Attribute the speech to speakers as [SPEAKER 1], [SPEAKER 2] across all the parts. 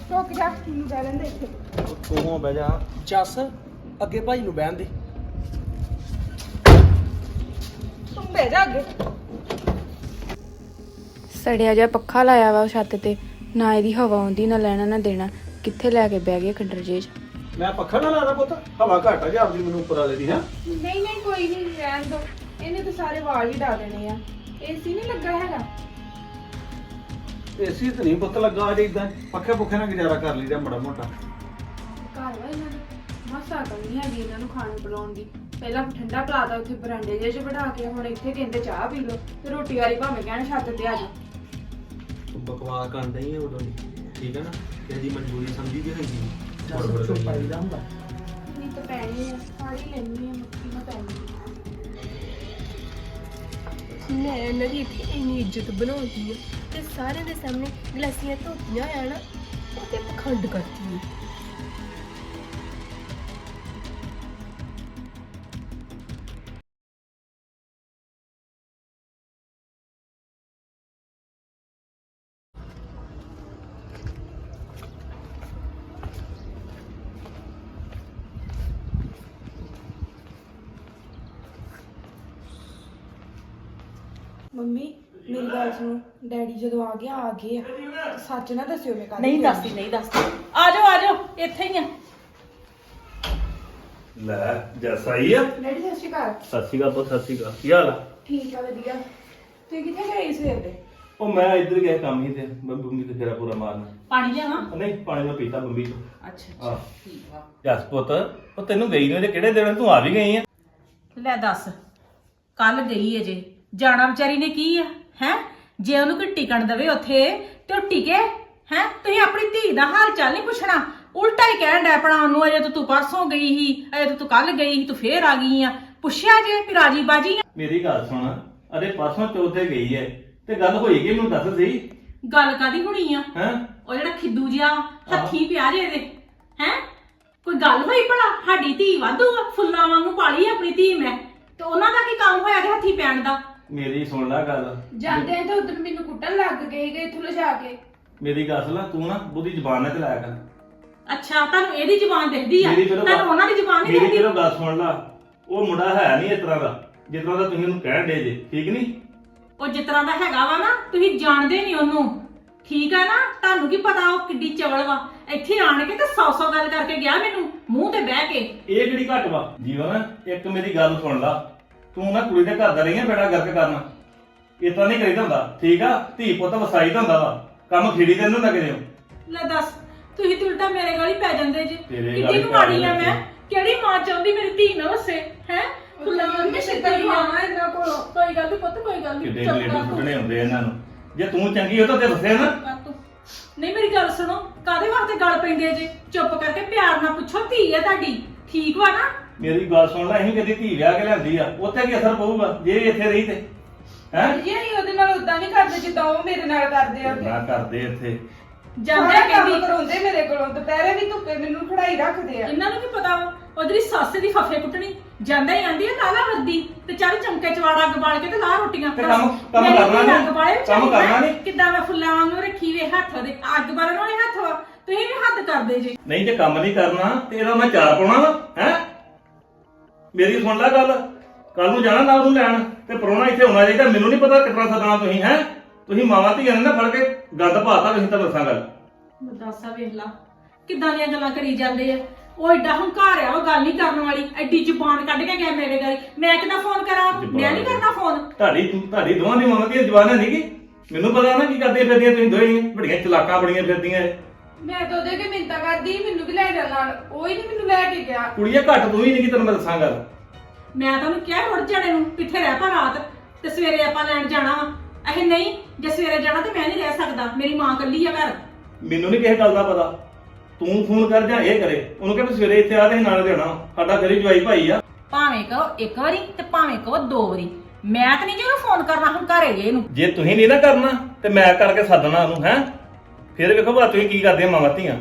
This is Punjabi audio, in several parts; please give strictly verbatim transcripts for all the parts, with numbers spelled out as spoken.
[SPEAKER 1] ਰੁਕ ਜਾ ਮੈਨੂੰ ਬਹਿ ਲੈਂਦੇ ਇੱਥੇ।
[SPEAKER 2] ਤੂੰ ਬਹਿ ਜਾ।
[SPEAKER 3] ਜੱਸ ਅੱਗੇ ਭਾਈ ਨੂੰ ਬਹਿਣ ਦੇ।
[SPEAKER 1] ਤੂੰ ਬਹਿ ਜਾ ਅੱਗੇ।
[SPEAKER 4] ਸੜਿਆ ਜਿਹਾ ਪੱਖਾ ਲਾਇਆ ਵਾ ਛੱਤ ਤੇ, ਨਾ ਇਹਦੀ ਹਵਾ ਆਉਂਦੀ ਨਾ ਲੈਣਾ ਨਾ ਦੇਣਾ। ਕਿੱਥੇ ਲੈ ਕੇ ਬਹਿ ਗਏ ਖੰਡਰ ਜੇ ਚ।
[SPEAKER 2] ਮੈਂ ਪੱਖਾ ਨਾ ਲਾਣਾ ਪੁੱਤ, ਹਵਾ ਘੱਟ ਆ ਜਾਂਦੀ ਮੈਨੂੰ ਉੱਪਰ ਵਾਲੇ ਦੀ। ਹੈ
[SPEAKER 1] ਨਹੀਂ ਨਹੀਂ ਕੋਈ ਨਹੀਂ, ਰਹਿਣ ਦੋ। ਇਹਨੇ ਤਾਂ ਸਾਰੇ ਵਾਲ ਹੀ ਡਾ ਦੇਣੇ ਆ। ਏਸੀ ਨਹੀਂ ਲੱਗਾ ਹੈਗਾ।
[SPEAKER 2] ਏਸੀ ਤੇ ਨਹੀਂ ਪੁੱਤ ਲੱਗਾ ਅਜੇ। ਇਦਾਂ ਪੱਖੇ ਪੁੱਖੇ ਨਾਲ ਗੁਜ਼ਾਰਾ ਕਰ ਲਈਦਾ ਮਾੜਾ ਮੋਟਾ।
[SPEAKER 1] ਘਰ ਵਾ ਇਹਨਾਂ ਨੂੰ ਮਸਾ ਕਰਨੀ ਹੈਗੀ ਇਹਨਾਂ ਨੂੰ ਖਾਣ ਪਿਲਾਉਣ ਦੀ। ਪਹਿਲਾਂ ਠੰਡਾ ਪਲਾਤਾ ਉੱਥੇ ਬਰਾਂਡੇ ਜਿਹੇ 'ਚ ਬਿਠਾ ਕੇ, ਹੁਣ ਇੱਥੇ ਕਹਿੰਦੇ ਚਾਹ ਪੀ ਲਓ ਤੇ ਰੋਟੀ ਵਾਲੀ ਭਾਵੇਂ ਕਹਿਣ ਛੱਤ ਤੇ ਆ ਜਾ।
[SPEAKER 2] ਤੂੰ ਬਕਵਾਸ ਕਰਦਾ ਹੀ ਹੈ ਉਦੋਂ ਦੀ, ਠੀਕ ਹੈ ਨਾ? ਤੇਰੀ ਮਜਬੂਰੀ ਸਮਝੀ ਦੀ ਹੋਈ।
[SPEAKER 3] ਜੱਸ ਚੁੱਪ ਆਈਦਾ ਹੁੰਦਾ।
[SPEAKER 1] ਨਹੀਂ ਤਾਂ ਪੈਣੀ ਆ, ਫੜ ਹੀ ਲੈਣੀ ਆ, ਮੱਕੀ ਨਾ ਪੈਣੀ।
[SPEAKER 5] ਮੈਂ ਇਹਨਾਂ ਦੀ ਇੱਥੇ ਇੰਨੀ ਇੱਜ਼ਤ ਬਣਾਉਂਦੀ ਆ ਤੇ ਸਾਰੇ ਦੇ ਸਾਹਮਣੇ ਗਲਾਸੀਆਂ ਧੋਤੀਆਂ ਆ ਨਾ, ਉਹ ਤੇ ਪਖੰਡ ਕਰਦੀ ਆ।
[SPEAKER 1] ਮੰਮੀ ਮੇਰੀ ਗੱਲ ਸੁਣੋ, ਡੈਡੀ ਜਦੋਂ ਆ ਗਿਆ ਆ ਗਏ ਆ, ਤੇ ਸੱਚ ਨਾ ਦੱਸਿਓ ਮੈਂ ਕੱਲ
[SPEAKER 6] ਨਹੀਂ ਦੱਸਦੀ ਨਹੀਂ ਦੱਸਦੀ। ਆ ਜਾਓ ਆ ਜਾਓ, ਇੱਥੇ ਹੀ ਆ।
[SPEAKER 2] ਲੈ ਜੈਸਾ ਹੀ ਆ।
[SPEAKER 1] ਡੈਡੀ ਸਤਿ ਸ਼੍ਰੀ ਅਕਾਲ।
[SPEAKER 2] ਸਤਿ ਸ਼੍ਰੀ ਅਕਾਲ ਪੁੱਤ, ਸਤਿ ਸ਼੍ਰੀ ਅਕਾਲ। ਕੀ ਹਾਲ ਆ?
[SPEAKER 1] ਠੀਕ ਆ ਵਧੀਆ। ਤੁਸੀਂ ਕਿੱਥੇ ਗਏ ਸਵੇਰ ਦੇ?
[SPEAKER 2] ਉਹ ਮੈਂ ਇੱਧਰ ਗਿਆ ਕੰਮ ਹੀ ਤੇ ਮੈਂ ਬੰਬੀ ਤੇ ਫੇਰਾ ਪੂਰਾ ਮਾਰਨਾ।
[SPEAKER 6] ਪਾਣੀ ਲਿਆਵਾਂ?
[SPEAKER 2] ਨਹੀਂ ਪਾਣੀ ਮੈਂ ਪੀਤਾ ਬੰਬੀ ਤੋਂ।
[SPEAKER 6] ਅੱਛਾ
[SPEAKER 2] ਆਹ।
[SPEAKER 6] ਅੱਛਾ ਠੀਕ ਵਾ।
[SPEAKER 2] ਜਸ ਪੁੱਤ ਉਹ ਤੈਨੂੰ ਗਈ ਨੂੰ ਕਿਹੜੇ ਦਿਨ ਤੂੰ ਆ ਵੀ ਗਈ ਆ?
[SPEAKER 6] ਲੈ ਦੱਸ, ਕੱਲ ਗਈ ਅਜੇ, ਜਾਣਾ ਵਿਚਾਰੀ ਨੇ ਕੀ ਆ ਹੈ? ਜੇ ਉਹਨੂੰ ਕੋਈ ਟਿਕਣ ਦਵੇ ਉੱਥੇ ਤੇ ਉਹ ਟਿਕੇ ਹੈ? ਤੁਸੀਂ ਆਪਣੀ ਧੀ ਦਾ ਹਾਲ ਚਾਲ ਨਹੀਂ ਪੁੱਛਣਾ, ਉਲਟਾ ਹੀ ਕਹਿਣ ਡੈ ਪਣਾ ਉਹਨੂੰ। ਅਜੇ ਤਾਂ ਤੂੰ ਪਰਸੋਂ ਗਈ ਸੀ, ਅਜੇ ਤਾਂ ਤੂੰ ਕੱਲ ਗਈ ਸੀ, ਤੂੰ ਫੇਰ ਆ ਗਈ ਆ। ਪੁੱਛਿਆ ਜੇ ਵੀ ਰਾਜੀ ਬਾਜੀ ਆ?
[SPEAKER 2] ਮੇਰੀ ਗੱਲ ਸੁਣ, ਅਰੇ ਪਰਸੋਂ ਚੌਥੇ ਗਈ ਐ ਤੇ ਗੱਲ ਹੋਈ ਕਿ ਮੈਨੂੰ ਦੱਸ ਸਹੀ।
[SPEAKER 6] ਗੱਲ ਕਾਦੀ ਹੋਣੀ ਆ?
[SPEAKER 2] ਹੈ
[SPEAKER 6] ਉਹ ਜਿਹੜਾ ਖਿੱਦੂ ਜਿਹਾ ਹੱਥੀ ਪਿਆ ਜੇ ਇਹਦੇ ਹੈ, ਕੋਈ ਗੱਲ ਹੋਈ ਭਲਾ? ਸਾਡੀ ਧੀ ਵਾਧੂ ਆ, ਫੁੱਲਾਂ ਵਾਂਗੂ ਪਾਲੀ ਆਪਣੀ ਧੀ ਮੈਂ, ਤੇ ਉਹਨਾਂ ਦਾ ਕੀ ਕੰਮ ਹੋਇਆ ਕਿ ਹੱਥੀ ਪੈਣ ਦਾ?
[SPEAKER 2] ਮੇਰੀ ਸੁਣ ਲੈ ਗੱਲ।
[SPEAKER 1] ਜਾਂਦੇ ਤਾਂ ਉਧਰ ਮੈਨੂੰ ਕੁੱਟਣ ਲੱਗ ਗਏ ਗਏ ਇੱਥੋਂ ਲਿਜਾ ਕੇ।
[SPEAKER 2] ਮੇਰੀ ਗੱਲ ਸੁਣ ਲੈ, ਤੂੰ ਨਾ ਬੁੱਧੀ ਜ਼ਬਾਨ ਨਾਲ ਚਲਾਇਆ ਕਰ।
[SPEAKER 6] ਅੱਛਾ, ਤੁਹਾਨੂੰ ਇਹਦੀ ਜ਼ੁਬਾਨ ਦਿਖਦੀ ਆ,
[SPEAKER 2] ਮੇਰੀ ਚਲੋ
[SPEAKER 6] ਤੁਹਾਨੂੰ ਉਹਨਾਂ ਦੀ ਜ਼ੁਬਾਨ ਨਹੀਂ
[SPEAKER 2] ਮੇਰੀ
[SPEAKER 6] ਦਿਖਦੀ?
[SPEAKER 2] ਚਲੋ ਗੱਲ ਸੁਣ ਲੈ, ਉਹ ਮੁੰਡਾ ਹੈ ਨਹੀਂ ਇਸ ਤਰ੍ਹਾਂ ਦਾ ਜਿਸ ਤਰ੍ਹਾਂ ਦਾ ਤੁਸੀਂ ਉਹਨੂੰ ਕਹਿਣ ਦੇ ਜੇ, ਠੀਕ ਨਹੀਂ?
[SPEAKER 6] ਉਹ ਜਿਸ ਤਰ੍ਹਾਂ ਦਾ ਹੈਗਾ ਵਾ ਨਾ, ਤੁਸੀਂ ਜਾਣਦੇ ਨਹੀਂ ਉਹਨੂੰ, ਠੀਕ ਆ ਨਾ? ਤੁਹਾਨੂੰ ਕੀ ਪਤਾ ਉਹ ਕਿੱਡੀ ਚਵਲ ਵਾ। ਇੱਥੇ ਆਣ ਕੇ ਤੇ ਸੌ ਸੌ ਗੱਲ ਕਰਕੇ ਗਿਆ ਮੈਨੂੰ ਮੂੰਹ ਤੇ ਬਹਿ ਕੇ।
[SPEAKER 2] ਇਹ ਕਿਹੜੀ ਘੱਟ ਵਾ ਜੀਵਨ? ਇੱਕ ਮੇਰੀ ਗੱਲ ਸੁਣ ਲਾ, ਤੂੰ ਨਾ ਕੁੜੀ ਦੇ ਘਰ ਦਾ ਰਹੀ ਆ ਬੇੜਾ ਗਰਕ ਕਰਨਾ, ਇਸ ਤਰ੍ਹਾਂ ਨਹੀਂ ਕਰੀਦਾ ਹੁੰਦਾ, ਠੀਕ ਆ? ਧੀ ਪੁੱਤ ਵਸਾਈ ਦਾ ਹੁੰਦਾ ਵਾ, ਕੰਮ ਖੇੜੀ ਦੇ ਨੂੰ ਲੱਗ ਜਿਓ।
[SPEAKER 6] ਲੈ ਦੱਸ, ਤੁਸੀਂ ਤੇ ਉਲਟਾ ਮੇਰੇ ਗਾਲੀ ਪੈ ਜਾਂਦੇ ਜੇ।
[SPEAKER 2] ਤੇਰੇ ਗਾਲੀ
[SPEAKER 6] ਕਿੱਡੀ ਕੁ
[SPEAKER 2] ਪੈ
[SPEAKER 6] ਮਾੜੀ ਆ
[SPEAKER 2] ਜਾਂਦੇ।
[SPEAKER 6] ਮੈਂ? ਕਿਹੜੀ ਮਾਂ ਚਾਹੁੰਦੀ ਮੇਰੀ ਧੀ ਨਾ ਵਸੇ ਹੈ? ਫੁੱਲਾਂ ਵਾਂਗੂ ਛਿੱਤਰ ਖਾਵਾਂ ਇਹਨਾਂ ਕੋਲੋਂ। ਕੋਈ ਗੱਲ ਨੀ ਪੁੱਤ, ਕੋਈ ਗੱਲ ਨੀ,
[SPEAKER 2] ਕਿੱਡੇ
[SPEAKER 6] ਚੁੱਪ
[SPEAKER 2] ਗਲੇਡੂ
[SPEAKER 6] ਕਰ ਤੂੰ।
[SPEAKER 2] ਸੁੱਟਣੇ ਹੁੰਦੇ ਇਹਨਾਂ ਨੂੰ। ਜੇ ਤੂੰ ਚੰਗੀ ਹੋ ਤਾਂ ਤੇ ਵਸਿਆ ਨਾ।
[SPEAKER 6] ਕਰ ਤੂੰ। ਨਹੀਂ ਮੇਰੀ ਗੱਲ ਸੁਣੋ, ਕਾਦੇ ਵਾਸਤੇ ਗੱਲ ਪੈਂਦੇ ਜੇ? ਚੁੱਪ ਕਰਕੇ ਪਿਆਰ ਨਾਲ ਪੁੱਛੋ, ਧੀ ਆ ਤੁਹਾਡੀ, ਠੀਕ ਵਾ ਨਾ?
[SPEAKER 2] ਮੇਰੀ ਗੱਲ ਸੁਣ ਲੈ, ਅਸੀਂ ਕਦੀ ਧੀ ਵਿਆਹ ਕੇ ਲਿਆਂਦੀ ਆ, ਉੱਥੇ ਕੀ ਅਸਰ ਪਊਗਾ ਜੇ ਇਹ ਇੱਥੇ ਰਹੀ ਤੇ? ਹੈ
[SPEAKER 1] ਇਹ ਨਹੀਂ ਉਹਦੇ ਨਾਲ ਉਦਾਂ ਨਹੀਂ ਕਰਦੇ ਜਿੱਦਾਂ ਉਹ ਮੇਰੇ ਨਾਲ ਕਰਦੇ ਆ।
[SPEAKER 2] ਨਾ ਕਰਦੇ ਇੱਥੇ।
[SPEAKER 6] ਜਾਂਦੇ
[SPEAKER 1] ਸਾਰਾ ਕੰਮ
[SPEAKER 6] ਕਹਿੰਦੀ
[SPEAKER 1] ਕਰਾਉਂਦੇ ਮੇਰੇ ਕੋਲੋਂ, ਦੁਪਹਿਰੇ ਵੀ ਧੁੱਪੇ ਮੈਨੂੰ ਖੜਾਈ ਰੱਖਦੇ ਆ।
[SPEAKER 6] ਇਹਨਾਂ ਨੂੰ ਕੀ ਪਤਾ ਵਾ ਉਹ ਜਿਹੜੀ ਸੱਸ ਦੀ ਫੱਫੇ ਕੁੱਟਣੀ। ਜਾਂਦਾ ਹੀ ਆਂਦੀ ਆ ਲਾਲਾ ਵਰਦੀ ਤੇ ਚੱਲ ਚਮਕੇ ਚਵਾੜਾ ਅੱਗ ਬਾਲ ਕੇ ਤੇ ਲਾ ਰੋਟੀਆਂ।
[SPEAKER 2] ਤੇ ਕੰਮ- ਕੰਮ
[SPEAKER 6] ਮੇਰੀ
[SPEAKER 2] ਕਰਨਾ
[SPEAKER 6] ਧੀ
[SPEAKER 2] ਨੀ?
[SPEAKER 6] ਅੱਗ ਬਾਲੇ ਵਿੱਚ
[SPEAKER 2] ਕੰਮ ਕਰਨਾ ਨੀ?
[SPEAKER 6] ਕਿੱਦਾਂ ਮੈਂ ਫੁੱਲਾਂ ਵਾਂਗੂ ਰੱਖੀ ਵੇ ਹੱਥ ਦੇ, ਅੱਗ ਬਾਲਣ ਵਾਲੇ ਹੱਥ ਵਾ, ਤੁਸੀਂ ਵੀ ਹੱਦ ਕਰਦੇ ਜੇ।
[SPEAKER 2] ਨਹੀਂ ਜੇ ਕੰਮ ਨਹੀਂ ਕਰਨਾ ਤੇ ਇਹਦਾ ਮੈਂ ਚਾਰ ਪਾਉਣਾ ਵਾ। ਹੈ ਮੇਰੀ ਸੁਣ ਲੈ ਗੱਲ, ਕੱਲ ਨੂੰ ਜਾਣਾ ਨਾ ਉਹਨੂੰ ਲੈਣ ਤੇ ਪਰੋਣਾ ਇੱਥੇ ਹੋਣਾ ਚਾਹੀਦਾ। ਮੈਨੂੰ ਨਹੀਂ ਪਤਾ ਕਿਤਨਾ ਸਦਣਾ ਤੁਸੀਂ। ਹੈ ਤੁਸੀਂ ਮਾਵਾਂ ਧੀਆਂ ਨੇ ਨਾ ਫੜ ਕੇ ਗੰਦ ਪਾਤਾ। ਤੁਸੀਂ ਤਾਂ ਦੱਸਾਂ ਗੱਲ।
[SPEAKER 6] ਦੱਸਾ ਵੇਖ ਲਾ ਕਿੱਦਾਂ ਦੀਆਂ ਗੱਲਾਂ ਕਰੀ ਜਾਂਦੇ ਆ। ਉਹ ਏਡਾ ਹੰਕਾਰ ਆ, ਉਹ ਗੱਲ ਨਹੀਂ ਕਰਨ ਵਾਲੀ। ਐਡੀ ਜ਼ੁਬਾਨ ਕੱਢ ਕੇ ਗਿਆ ਮੇਰੇ ਗਾਲੀ। ਮੈਂ ਕਿੱਦਾਂ ਫੋਨ ਕਰਾਂ? ਮੈਂ ਨਹੀਂ ਕਰਨਾ ਫੋਨ।
[SPEAKER 2] ਤੁਹਾਡੀ ਤੁਹਾਡੀ ਦੋਵਾਂ ਦੀ ਮਾਵਾਂ ਦੀਆਂ ਜ਼ਬਾਨਾਂ ਨਹੀਂ ਗੀ। ਮੈਨੂੰ ਪਤਾ ਨਾ ਕੀ ਕਰਦੇ ਫਿਰਦੀਆਂ ਤੁਸੀਂ ਦੋਵੇਂ, ਬੜੀਆਂ ਚਲਾਕਾਂ ਬੜੀਆਂ ਫਿਰਦੀਆਂ।
[SPEAKER 1] ਮੈਂ ਤਾਂ ਉਹਦੇ ਕੇ ਮਿੰਤਾ ਕਰਦੀ ਮੈਨੂੰ ਵੀ ਲੈ ਜਾ ਨਾਲ, ਉਹ ਹੀ ਨਹੀਂ ਮੈਨੂੰ ਲੈ ਕੇ ਗਿਆ।
[SPEAKER 2] ਕੁੜੀਆਂ ਘੱਟ ਤੂੰ ਹੀ ਨਹੀਂ, ਤੈਨੂੰ ਮੈਂ ਦੱਸਾਂ ਗੱਲ।
[SPEAKER 6] ਮੈਂ ਤੁਹਾਨੂੰ ਕਿਹਾ ਉੜ ਜਾਣੇ ਨੂੰ ਕਿੱਥੇ ਰਹਿ ਪਾ ਰਾਤ ਤੇ ਸਵੇਰੇ ਆਪਾਂ ਲੈਣ ਜਾਣਾ ਵਾ। ਇਹ ਨਹੀਂ, ਜੇ ਸਵੇਰੇ ਜਾਣਾ ਤੇ ਮੈਂ ਨਹੀਂ ਰਹਿ ਸਕਦਾ, ਮੇਰੀ ਮਾਂ ਇਕੱਲੀ ਆ ਘਰ।
[SPEAKER 2] ਮੈਨੂੰ ਨਹੀਂ ਕਿਸੇ ਗੱਲ ਦਾ ਪਤਾ, ਤੂੰ ਫੋਨ ਕਰ ਜਾਂ ਇਹ ਕਰੇ। ਉਹਨੂੰ ਕਹਿੰਦੇ ਸਵੇਰੇ ਇੱਥੇ ਆ ਤੇ ਨਾਲ ਦੇਣਾ। ਸਾਡਾ ਗਰੀਬ ਜਵਾਈ ਭਾਈ ਆ।
[SPEAKER 6] ਭਾਵੇਂ ਕਹੋ ਇੱਕ ਵਾਰੀ ਤੇ ਭਾਵੇਂ ਕਹੋ ਦੋ ਵਾਰੀ, ਮੈਂ ਤਾਂ ਨਹੀਂ ਜਿਹਨੂੰ ਫੋਨ ਕਰਨਾ ਹੁਣ ਘਰੇ ਜੇ ਇਹਨੂੰ।
[SPEAKER 2] ਜੇ ਤੁਸੀਂ ਨਹੀਂ ਨਾ ਕਰਨਾ ਤੇ ਮੈਂ ਕਰਕੇ ਸੱਦਣਾ ਉਹਨੂੰ। ਹੈ ਫਿਰ ਵੇਖੋ ਭਾ ਤੁਸੀਂ ਕੀ ਕਰਦੇ ਮਾਵਾਂ ਧੀਆਂ।